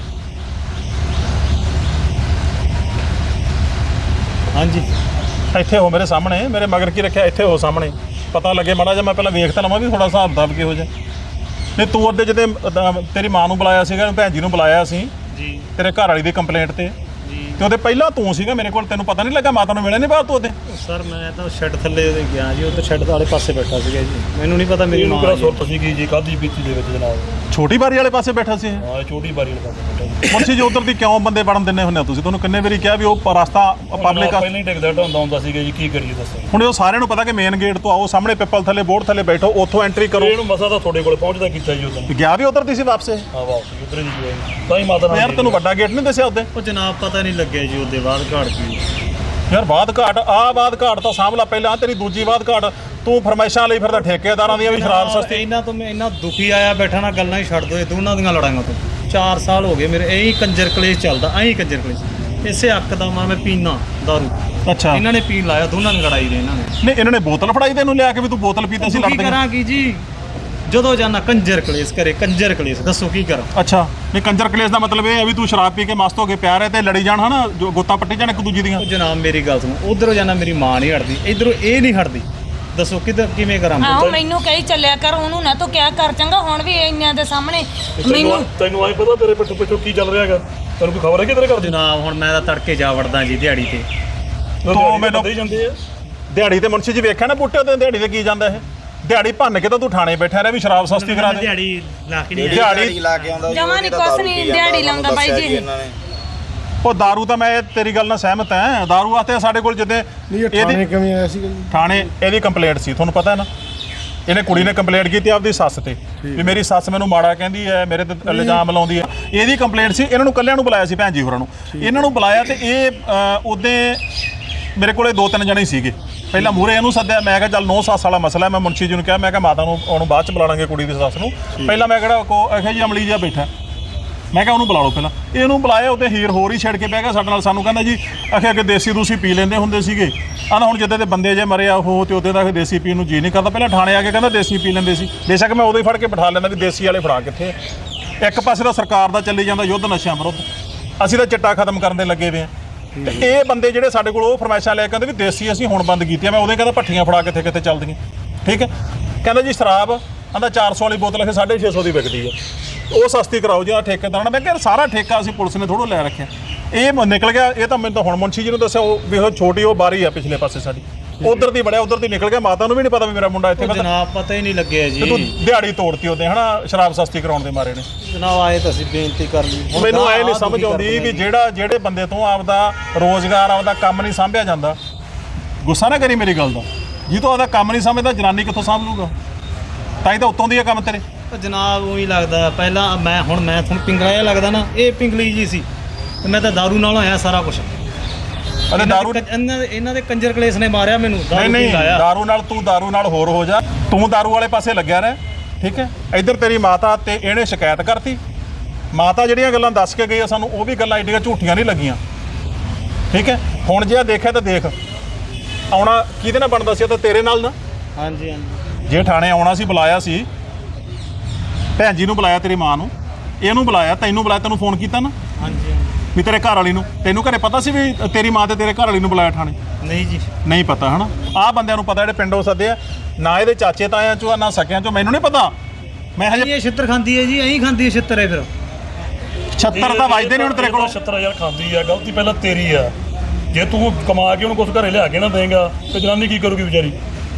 H: ਹਾਂਜੀ
A: ਇੱਥੇ ਹੋ ਮੇਰੇ ਸਾਹਮਣੇ ਮੇਰੇ ਮਗਰ ਕੀ ਰੱਖਿਆ ਇੱਥੇ ਹੋ ਸਾਹਮਣੇ ਪਤਾ ਲੱਗੇ ਮਾੜਾ ਜਿਹਾ ਮੈਂ ਪਹਿਲਾਂ ਵੇਖ ਤਾਂ ਲਵਾਂ ਵੀ ਥੋੜਾ ਹਿਸਾਬ ਕਿਤਾਬ ਕਿਹੋ ਜਿਹਾ। ਨਹੀਂ ਤੂੰ ਉਹਦੇ ਜਿਹਦੇ ਅਹ, ਤੇਰੀ ਮਾਂ ਨੂੰ ਬੁਲਾਇਆ ਸੀਗਾ ਭੈਣ ਜੀ ਨੂੰ ਬੁਲਾਇਆ ਸੀ
H: ਜੀ
A: ਤੇਰੇ ਘਰ ਵਾਲੀ ਦੀ ਕੰਪਲੇਂਟ ਤੇ
H: ਜੀ
A: ਤੇ ਉਹਦੇ ਪਹਿਲਾਂ ਤੂੰ ਸੀਗਾ ਮੇਰੇ ਕੋਲ ਤੈਨੂੰ ਪਤਾ ਨਹੀਂ ਲੱਗਾ ਮਾਤਾ ਨੂੰ ਮਿਲਿਆ ਨਹੀਂ ਬਾਹਰ ਤੂੰ ਉਹਦੇ?
H: ਸਰ ਮੈਂ ਤਾਂ ਸ਼ੈੱਡ ਥੱਲੇ ਗਿਆ ਜੀ ਉੱਧਰ ਸ਼ੈੱਡ ਵਾਲੇ ਪਾਸੇ ਬੈਠਾ ਸੀਗਾ ਜੀ ਮੈਨੂੰ ਨਹੀਂ ਪਤਾ ਮੇਰੀ
B: ਇਹਨੂੰ
H: ਮਾਂ
B: ਕਿਹੜਾ
H: ਜੀ।
B: ਸੁਰਤ ਸੀਗੀ ਜੀ ਕਾਦੀ ਬੀਤੀ ਦੇ ਵਿੱਚ ਜਨਾਬ।
A: ਛੋਟੀ ਬਾਰੀ ਵਾਲੇ ਪਾਸੇ ਬੈਠਾ ਸੀ ਇਹ?
B: ਹਾਂ ਇਹ ਛੋਟੀ ਬਾਰੀ ਵਾਲੇ ਪਾਸੇ ਬੈਠਾ ਜੀ।
A: ਮੁਨਸ਼ੀ ਜੀ ਉਧਰ ਦੀ ਕਿਉਂ ਬੰਦੇ ਵੜਨ ਦਿੰਦੇ ਹੁੰਦੇ ਹੋ ਤੁਸੀਂ? ਤੁਹਾਨੂੰ ਕਿੰਨੇ ਵਾਰੀ ਕਿਹਾ ਵੀ ਉਹ ਰਸਤਾ ਪਬਲਿਕ
B: ਪਹਿਲਾਂ ਹੀ ਟਿਕਦਾ ਢਾਉਂਦਾ ਹੁੰਦਾ ਸੀਗਾ ਜੀ ਕੀ ਕਰੀਏ ਦੱਸੋ।
A: ਹੁਣ ਉਹ ਸਾਰਿਆਂ ਨੂੰ ਪਤਾ ਕਿ ਮੇਨ ਗੇਟ ਤੋਂ ਆਓ ਸਾਹਮਣੇ ਪਿੱਪਲ ਥੱਲੇ ਬੋਰਡ ਥੱਲੇ ਬੈਠੋ ਉੱਥੋਂ ਐਂਟਰੀ ਕਰੋ।
B: ਇਹਨੂੰ ਮਸਾ ਤਾਂ ਤੁਹਾਡੇ ਕੋਲੇ ਪਹੁੰਚਦਾ ਕੀਤਾ ਜੀ ਉਦੋਂ।
A: ਗਿਆ ਵੀ ਉਧਰ ਦੀ ਸੀ ਵਾਪਸ ਇਹ?
B: ਹਾਂ ਵਾਪਸ ਕਿਧਰੇ ਨਹੀਂ ਗਿਆ ਤਾਂ ਹੀ ਮਾਤਾ ਨਾਲ
A: ਯਾਰ ਤੈਨੂੰ ਵੱਡਾ ਗੇਟ ਨਹੀਂ ਦੱਸਿਆ ਉਹਦੇ
H: ਉਹ ਜਨਾਬ ਪਤਾ ਨਹੀਂ ਲੱਗਿਆ ਜੀ ਉਹਦੇ ਬਾਅਦ ਘਾੜ ਕੀ
A: ਯਾਰ ਬਾਦ ਘਾਟ ਆ ਬਾਦ ਘਾਟ ਤਾਂ ਸਾਂਭ ਲਾ ਪਹਿਲਾਂ ਤੇਰੀ ਦੂਜੀ ਬਾਦ ਘਾਟ ਤੂੰ ਫਰਮਾਇਸ਼ਾਂ ਲਈ ਫਿਰਦਾ ਠੇਕੇਦਾਰਾਂ ਦੀਆਂ ਵੀ ਸ਼ਰਾਬ ਸਸਤੀ
H: ਇਹਨਾਂ ਤੋਂ ਮੈਂ ਇੰਨਾ ਦੁਖੀ ਆਇਆ ਬੈਠਾ ਨਾ ਗੱਲਾਂ ਹੀ ਛੱਡ ਦੋ ਇਹ ਦੋਨਾਂ ਦੀਆਂ ਲੜਾਈਆਂ ਤੋਂ ਚਾਰ ਸਾਲ ਹੋ ਗਏ ਮੇਰੇ ਇਹੀ ਕੰਜਰ ਕਲੇਸ਼ ਚੱਲਦਾ ਐਂ ਕੰਜਰ ਕਲੇਸ਼ ਇਸੇ ਹੱਕ ਦਾ ਮਾਂ ਮੈਂ ਪੀਣਾ ਦਾਰੂ
A: ਅੱਛਾ
H: ਇਹਨਾਂ ਨੇ ਪੀਣ ਲਾਇਆ ਦੋਨਾਂ ਨੇ ਲੜਾਈ ਦੇ ਇਹਨਾਂ ਨੇ
A: ਨਹੀਂ ਇਹਨਾਂ ਨੇ ਬੋਤਲ ਫੜਾਈ ਤੈਨੂੰ ਲਿਆ ਕੇ ਵੀ ਤੂੰ ਬੋਤਲ ਪੀਤਾ ਸੀ
H: ਕੀ
A: ਲੜਦੇ
H: ਕਰਾਂ ਕੀ ਜੀ ਜਦੋਂ ਜਾਣਾ ਕੰਜਰ ਕਲੇਸ਼ ਕਰੇ ਕੰਜਰ ਕਲੇਸ਼ ਦੱਸੋ ਕੀ ਕਰਾਂ
A: ਅੱਛਾ ਨਹੀਂ ਕੰਜਰ ਕਲੇਸ਼ ਦਾ ਮਤਲਬ ਇਹ ਹੈ ਵੀ ਤੂੰ ਸ਼ਰਾਬ ਪੀ ਕੇ ਮਸਤ ਹੋ ਕੇ ਪਿਆ ਰਹੇ ਤੇ ਲੜੀ ਜਾਣ ਹਨਾ ਜੋ ਗੋਤਾ ਪੱਟੀ ਜਾਣ ਇੱਕ ਦੂਜੀ ਦੀਆਂ
H: ਉਹ ਜਨਾਬ ਮੇਰੀ ਗੱਲ ਸੁਣੋ ਉਧਰੋਂ ਜਾਣਾ ਮੇਰੀ ਮਾਂ ਨਹੀਂ ਹਟਦੀ ਇਧਰੋਂ ਇਹ ਨਹੀਂ ਹਟਦੀ ਦੱਸੋ ਕਿੱਧਰ ਕਿਵੇਂ ਕਰਾਂ ਮੈਂ?
I: ਆਹੋ ਮੈਨੂੰ ਕਹੀ ਚੱਲਿਆ ਕਰ ਉਹਨੂੰ ਨਾ ਤੂੰ ਕਿਆ ਕਰ ਚੰਗਾ ਹੁਣ ਵੀ ਇੰਨਿਆਂ ਦੇ ਸਾਹਮਣੇ ਮੈਨੂੰ
B: ਤੈਨੂੰ ਆਈ ਪਤਾ ਤੇਰੇ ਪਿੱਛੋਂ ਪਿੱਛੋਂ ਕੀ ਚੱਲ ਰਿਹਾ ਹੈਗਾ ਤੈਨੂੰ ਕੋਈ ਖਬਰ ਹੈ ਕਿ ਤੇਰੇ ਘਰ ਦੇ
H: ਜਨਾਬ ਹੁਣ ਮੈਂ ਤਾਂ ਤੜਕੇ ਜਾ ਵੜਦਾ ਜੀ ਦਿਹਾੜੀ ਤੇ
A: ਤੂੰ ਮੈਨੂੰ
B: ਦੇ ਜਾਂਦੇ ਆ
A: ਦਿਹਾੜੀ ਤੇ ਮੁਨਸ਼ੀ ਜੀ ਵੇਖਿਆ ਨਾ ਬੂਟੇ ਤੇ ਦਿਹਾੜੀ ਤੇ ਕੀ ਜਾਂਦਾ ਇਹ ਦਿਹਾੜੀ ਭੰਨ ਕੇ ਤਾਂ ਤੂੰ ਥਾਣੇ ਬੈਠਾ ਰਿਹਾ ਵੀ ਸ਼ਰਾਬ ਸਸਤੀ ਕਰਾ ਦੇ
H: ਦਿਹਾੜੀ ਲਾ ਕੇ ਨਹੀਂ
A: ਦਿਹਾੜੀ
F: ਲਾ ਕੇ ਆਉਂਦਾ
I: ਜਮਾਂ ਨੀ ਕੁਛ ਨੀ ਦਿਹਾੜੀ ਲਾਉਂਦਾ ਬਾਈ ਜੀ ਇਹ।
A: ਉਹ दारू ਤਾਂ ਮੈਂ ਤੇਰੀ ਗੱਲ ਨਾਲ ਸਹਿਮਤ ਹਾਂ दारू ਵਾਸਤੇ ਸਾਡੇ ਕੋਲ ਜਿੱਦੇ
G: ਨਹੀਂ ਇਹ ਥਾਣੇ ਕਿਵੇਂ ਆਇਆ ਸੀਗਾ ਜੀ
A: ਥਾਣੇ ਇਹਦੀ ਕੰਪਲੇਂਟ ਸੀ ਤੁਹਾਨੂੰ ਪਤਾ ਹੈ ਨਾ ਇਹਨੇ ਕੁੜੀ ਨੇ ਕੰਪਲੇਂਟ ਕੀਤੀ ਆਪਦੀ ਸੱਸ ਤੇ ਵੀ ਮੇਰੀ ਸੱਸ ਮੈਨੂੰ ਮਾੜਾ ਕਹਿੰਦੀ ਹੈ ਮੇਰੇ ਤੇ ਇਲਜ਼ਾਮ ਲਾਉਂਦੀ ਹੈ ਇਹਦੀ ਕੰਪਲੇਂਟ ਸੀ ਇਹਨਾਂ ਨੂੰ ਕੱਲਿਆਂ ਨੂੰ ਬੁਲਾਇਆ ਸੀ ਭੈਣ ਜੀ ਹੋਰਾਂ ਨੂੰ ਇਹਨਾਂ ਨੂੰ ਬੁਲਾਇਆ ਤੇ ਇਹ ਉਹਦੇ ਮੇਰੇ ਕੋਲੇ ਦੋ ਤਿੰਨ ਜਣੇ ਸੀਗੇ ਪਹਿਲਾਂ ਮੂਹਰੇ ਇਹਨੂੰ ਸੱਦਿਆ ਮੈਂ ਕਿਹਾ ਚੱਲ ਨੌ ਸੱਸ ਵਾਲਾ ਮਸਲਾ ਮੈਂ ਮੁਨਸ਼ੀ ਜੀ ਨੂੰ ਕਿਹਾ ਮੈਂ ਕਿਹਾ ਮਾਤਾ ਨੂੰ ਉਹਨੂੰ ਬਾਅਦ ਚ ਬੁਲਾ ਲਾਂਗੇ ਕੁੜੀ ਦੀ ਸੱਸ ਨੂੰ ਪਹਿਲਾਂ ਮੈਂ ਕਿਹੜਾ ਕੋ ਆਖਿਆ ਜੀ ਅਮਲੀ ਜਿਹਾ ਬੈਠਾ ਮੈਂ ਕਿਹਾ ਉਹਨੂੰ ਬੁਲਾ ਲਓ ਪਹਿਲਾਂ ਇਹਨੂੰ ਬੁਲਾਇਆ ਉਹਦੇ ਹੀਰ ਹੋਰ ਹੀ ਛੱਡ ਕੇ ਬਹਿ ਗਿਆ ਸਾਡੇ ਨਾਲ ਸਾਨੂੰ ਕਹਿੰਦਾ ਜੀ ਆਖਿਆ ਕਿ ਦੇਸੀ ਦੂਸੀ ਪੀ ਲੈਂਦੇ ਹੁੰਦੇ ਸੀਗੇ ਆਹ ਹੁਣ ਜਿੱਦਾਂ ਦੇ ਬੰਦੇ ਜੇ ਮਰੇ ਆ ਉਹ ਤੇ ਉਹਦੇ ਦਾ ਦੇਸੀ ਪੀਣ ਨੂੰ ਜੀ ਨਹੀਂ ਕਰਦਾ ਪਹਿਲਾਂ ਥਾਣੇ ਆ ਕੇ ਕਹਿੰਦਾ ਦੇਸੀ ਪੀ ਲੈਂਦੇ ਸੀ ਬੇਸ਼ੱਕ ਮੈਂ ਉਦੋਂ ਹੀ ਫੜ ਕੇ ਬਿਠਾ ਲੈਂਦਾ ਵੀ ਦੇਸੀ ਵਾਲੇ ਫੜਾ ਕਿੱਥੇ ਇੱਕ ਪਾਸੇ ਤਾਂ ਸਰਕਾਰ ਦਾ ਚੱਲੀ ਜਾਂਦਾ ਯੁੱਧ ਨਸ਼ਿਆਂ ਵਿਰੁੱਧ ਅਸੀਂ ਤਾਂ ਚਿੱਟਾ ਖਤਮ ਕਰਨ ਦੇ ਲੱਗੇ ਵੇ ਆ ਤੇ ਇਹ ਬੰਦੇ ਜਿਹੜੇ ਸਾਡੇ ਕੋਲ ਉਹ ਫਰਮਾਇਸ਼ਾਂ ਲੈ ਕੇ ਕਹਿੰਦੇ ਵੀ ਦੇਸੀ ਅਸੀਂ ਹੁਣ ਬੰਦ ਕੀਤੀ ਆ ਮੈਂ ਉਹਦੇ ਕਹਿੰਦਾ ਭੱਠੀਆਂ ਫੜਾ ਕਿੱਥੇ ਕਿੱਥੇ ਚੱਲਦੀਆਂ ਠੀਕ ਹੈ ਕਹਿੰਦਾ ਜੀ ਸ਼ਰਾਬ ਆਂਦਾ ਚਾਰ ਸੌ ਵਾਲੀ ਬੋਤਲ ਅਖੇ ਸਾਢੇ ਛੇ ਸੌ ਦੀ ਵਿਕਦੀ ਆ ਉਹ ਸਸਤੀ ਕਰਾਓ ਜੀ ਆ ਠੇਕੇਦਾਰਾਂ ਨੇ ਮੈਂ ਕਿਹਾ ਸਾਰਾ ਠੇਕਾ ਅਸੀਂ ਪੁਲਿਸ ਨੇ ਥੋੜ੍ਹਾ ਲੈ ਰੱਖਿਆ ਇਹ ਨਿਕਲ ਗਿਆ ਇਹ ਤਾਂ ਮੈਨੂੰ ਤਾਂ ਹੁਣ ਮੁਨਸ਼ੀ ਜੀ ਨੂੰ ਦੱਸਿਆ ਉਹ ਵੀ ਉਹ ਛੋਟੀ ਉਹ ਬਾਰੀ ਆ ਪਿਛਲੇ ਪਾਸੇ ਸਾਡੀ ਉਧਰ ਦੀ ਬੜਿਆ ਉਧਰ ਦੀ ਨਿਕਲ ਗਿਆ ਮਾਤਾ ਨੂੰ ਵੀ ਨਹੀਂ ਪਤਾ ਵੀ ਮੇਰਾ ਮੁੰਡਾ ਇੱਥੇ
H: ਜਨਾਬ ਪਤਾ ਹੀ ਨਹੀਂ ਲੱਗਿਆ ਜੀ
A: ਤੇ ਤੂੰ ਦਿਹਾੜੀ ਤੋੜਤੀ ਉਹਦੇ ਹਨਾ ਸ਼ਰਾਬ ਸਸਤੀ ਕਰਾਉਣ ਦੇ ਮਾਰੇ ਨੇ
H: ਜਨਾਬ ਆਏ ਤਾਂ ਅਸੀਂ ਬੇਨਤੀ ਕਰ ਲਈ
A: ਮੈਨੂੰ ਐ ਨਹੀਂ ਸਮਝ ਆਉਂਦੀ ਵੀ ਜਿਹੜਾ ਜਿਹੜੇ ਬੰਦੇ ਤੋਂ ਆਪਦਾ ਰੋਜ਼ਗਾਰ ਆਪਦਾ ਕੰਮ ਨਹੀਂ ਸਾਂਭਿਆ ਜਾਂਦਾ ਗੁੱਸਾ ਨਾ ਕਰੀ ਮੇਰੀ ਗੱਲ ਦਾ ਜੀ ਤੋਂ ਆਪਦਾ ਕੰਮ ਨਹੀਂ ਸਮਝਦਾ ਜਨਾਨੀ ਕਿੱਥੋਂ ਸਾਂਭ ਲੂਗਾ ਤਾਂ ਹੀ ਤਾਂ ਉੱਤੋਂ ਦੀ ਆ ਕੰਮ ਤੇਰੇ
H: ਜਨਾਬ ਉਹੀ ਲੱਗਦਾ ਪਹਿਲਾਂ ਮੈਂ ਹੁਣ ਮੈਂ ਤੁਹਾਨੂੰ ਪਿੰਗਲਾ ਜਿਹਾ ਲੱਗਦਾ ਨਾ ਇਹ ਪਿੰਗਲੀ ਜੀ ਸੀ ਤੇ ਮੈਂ ਤਾਂ ਦਾਰੂ ਨਾਲ ਹੋਇਆ ਸਾਰਾ ਕੁਝ
A: ਅਤੇ ਦਾਰੂ
H: ਇਹਨਾਂ ਦੇ ਇਹਨਾਂ ਦੇ ਕੰਜਰ ਕਲੇਸ਼ ਨੇ ਮਾਰਿਆ ਮੈਨੂੰ
A: ਨਹੀਂ ਨਹੀਂ ਦਾਰੂ ਨਾਲ ਤੂੰ ਦਾਰੂ ਨਾਲ ਹੋਰ ਹੋ ਜਾ ਤੂੰ ਦਾਰੂ ਵਾਲੇ ਪਾਸੇ ਲੱਗਿਆ ਰਹਿ ਠੀਕ ਹੈ ਇੱਧਰ ਤੇਰੀ ਮਾਤਾ ਤੇ ਇਹਨੇ ਸ਼ਿਕਾਇਤ ਕਰਤੀ ਮਾਤਾ ਜਿਹੜੀਆਂ ਗੱਲਾਂ ਦੱਸ ਕੇ ਗਈ ਆ ਸਾਨੂੰ ਉਹ ਵੀ ਗੱਲਾਂ ਐਡੀਆਂ ਝੂਠੀਆਂ ਨਹੀਂ ਲੱਗੀਆਂ ਠੀਕ ਹੈ ਹੁਣ ਜੇ ਆ ਦੇਖਿਆ ਤਾਂ ਦੇਖ ਆਉਣਾ ਕਿਹਦੇ ਨਾਲ ਬਣਦਾ ਸੀ ਤਾਂ ਤੇਰੇ ਨਾਲ ਨਾ
H: ਹਾਂਜੀ ਹਾਂਜੀ
A: ਜੇ ਥਾਣੇ ਆਉਣਾ ਸੀ ਬੁਲਾਇਆ ਸੀ ਭੈਣ ਜੀ ਨੂੰ ਬੁਲਾਇਆ ਤੇਰੀ ਮਾਂ ਨੂੰ ਇਹਨੂੰ ਬੁਲਾਇਆ ਤੈਨੂੰ ਬੁਲਾਇਆ ਤੈਨੂੰ ਫੋਨ ਕੀਤਾ ਨਾ
H: ਹਾਂਜੀ
A: ਵੀ ਤੇਰੇ ਘਰ ਵਾਲੀ ਨੂੰ ਤੈਨੂੰ ਘਰੇ ਪਤਾ ਸੀ ਵੀ ਤੇਰੀ ਮਾਂ ਤੇ ਤੇਰੇ ਘਰ ਵਾਲੀ ਨੂੰ ਬੁਲਾਇਆ ਥਾਣੇ
H: ਨਹੀਂ ਜੀ
A: ਨਹੀਂ ਪਤਾ ਹਨਾ ਆਹ ਬੰਦਿਆਂ ਨੂੰ ਪਤਾ ਜਿਹੜੇ ਪਿੰਡੋਂ ਸੱਦੇ ਆ ਨਾ ਇਹਦੇ ਚਾਚੇ ਤਾਇਆਂ ਚੋਂ ਆ ਨਾ ਸਕਿਆਂ ਚੋਂ ਮੈਨੂੰ ਨਹੀਂ ਪਤਾ ਮੈਂ ਹਜੇ
H: ਇਹ ਛਿੱਤਰ ਖਾਂਦੀ ਹੈ ਜੀ ਐਂ ਖਾਂਦੀ ਹੈ ਛਿੱਤਰ ਹੈ ਫਿਰ
A: ਛੱਤਰ ਤਾਂ ਵੱਜਦੇ ਨਹੀਂ ਹੁਣ ਤੇਰੇ ਕੋਲ
B: ਛੱਤਰ ਹਜ਼ਾਰ ਖਾਂਦੀ ਆ ਗਲਤੀ ਪਹਿਲਾਂ ਤੇਰੀ ਆ ਜੇ ਤੂੰ ਕਮਾ ਕੇ ਉਹਨੂੰ ਕੁਝ ਘਰੇ ਲਿਆ ਕੇ ਨਾ ਦੇਂਗਾ ਤੇ ਜਨਾਨੀ ਕੀ ਕਰੂਗੀ ਵਿਚਾਰੀ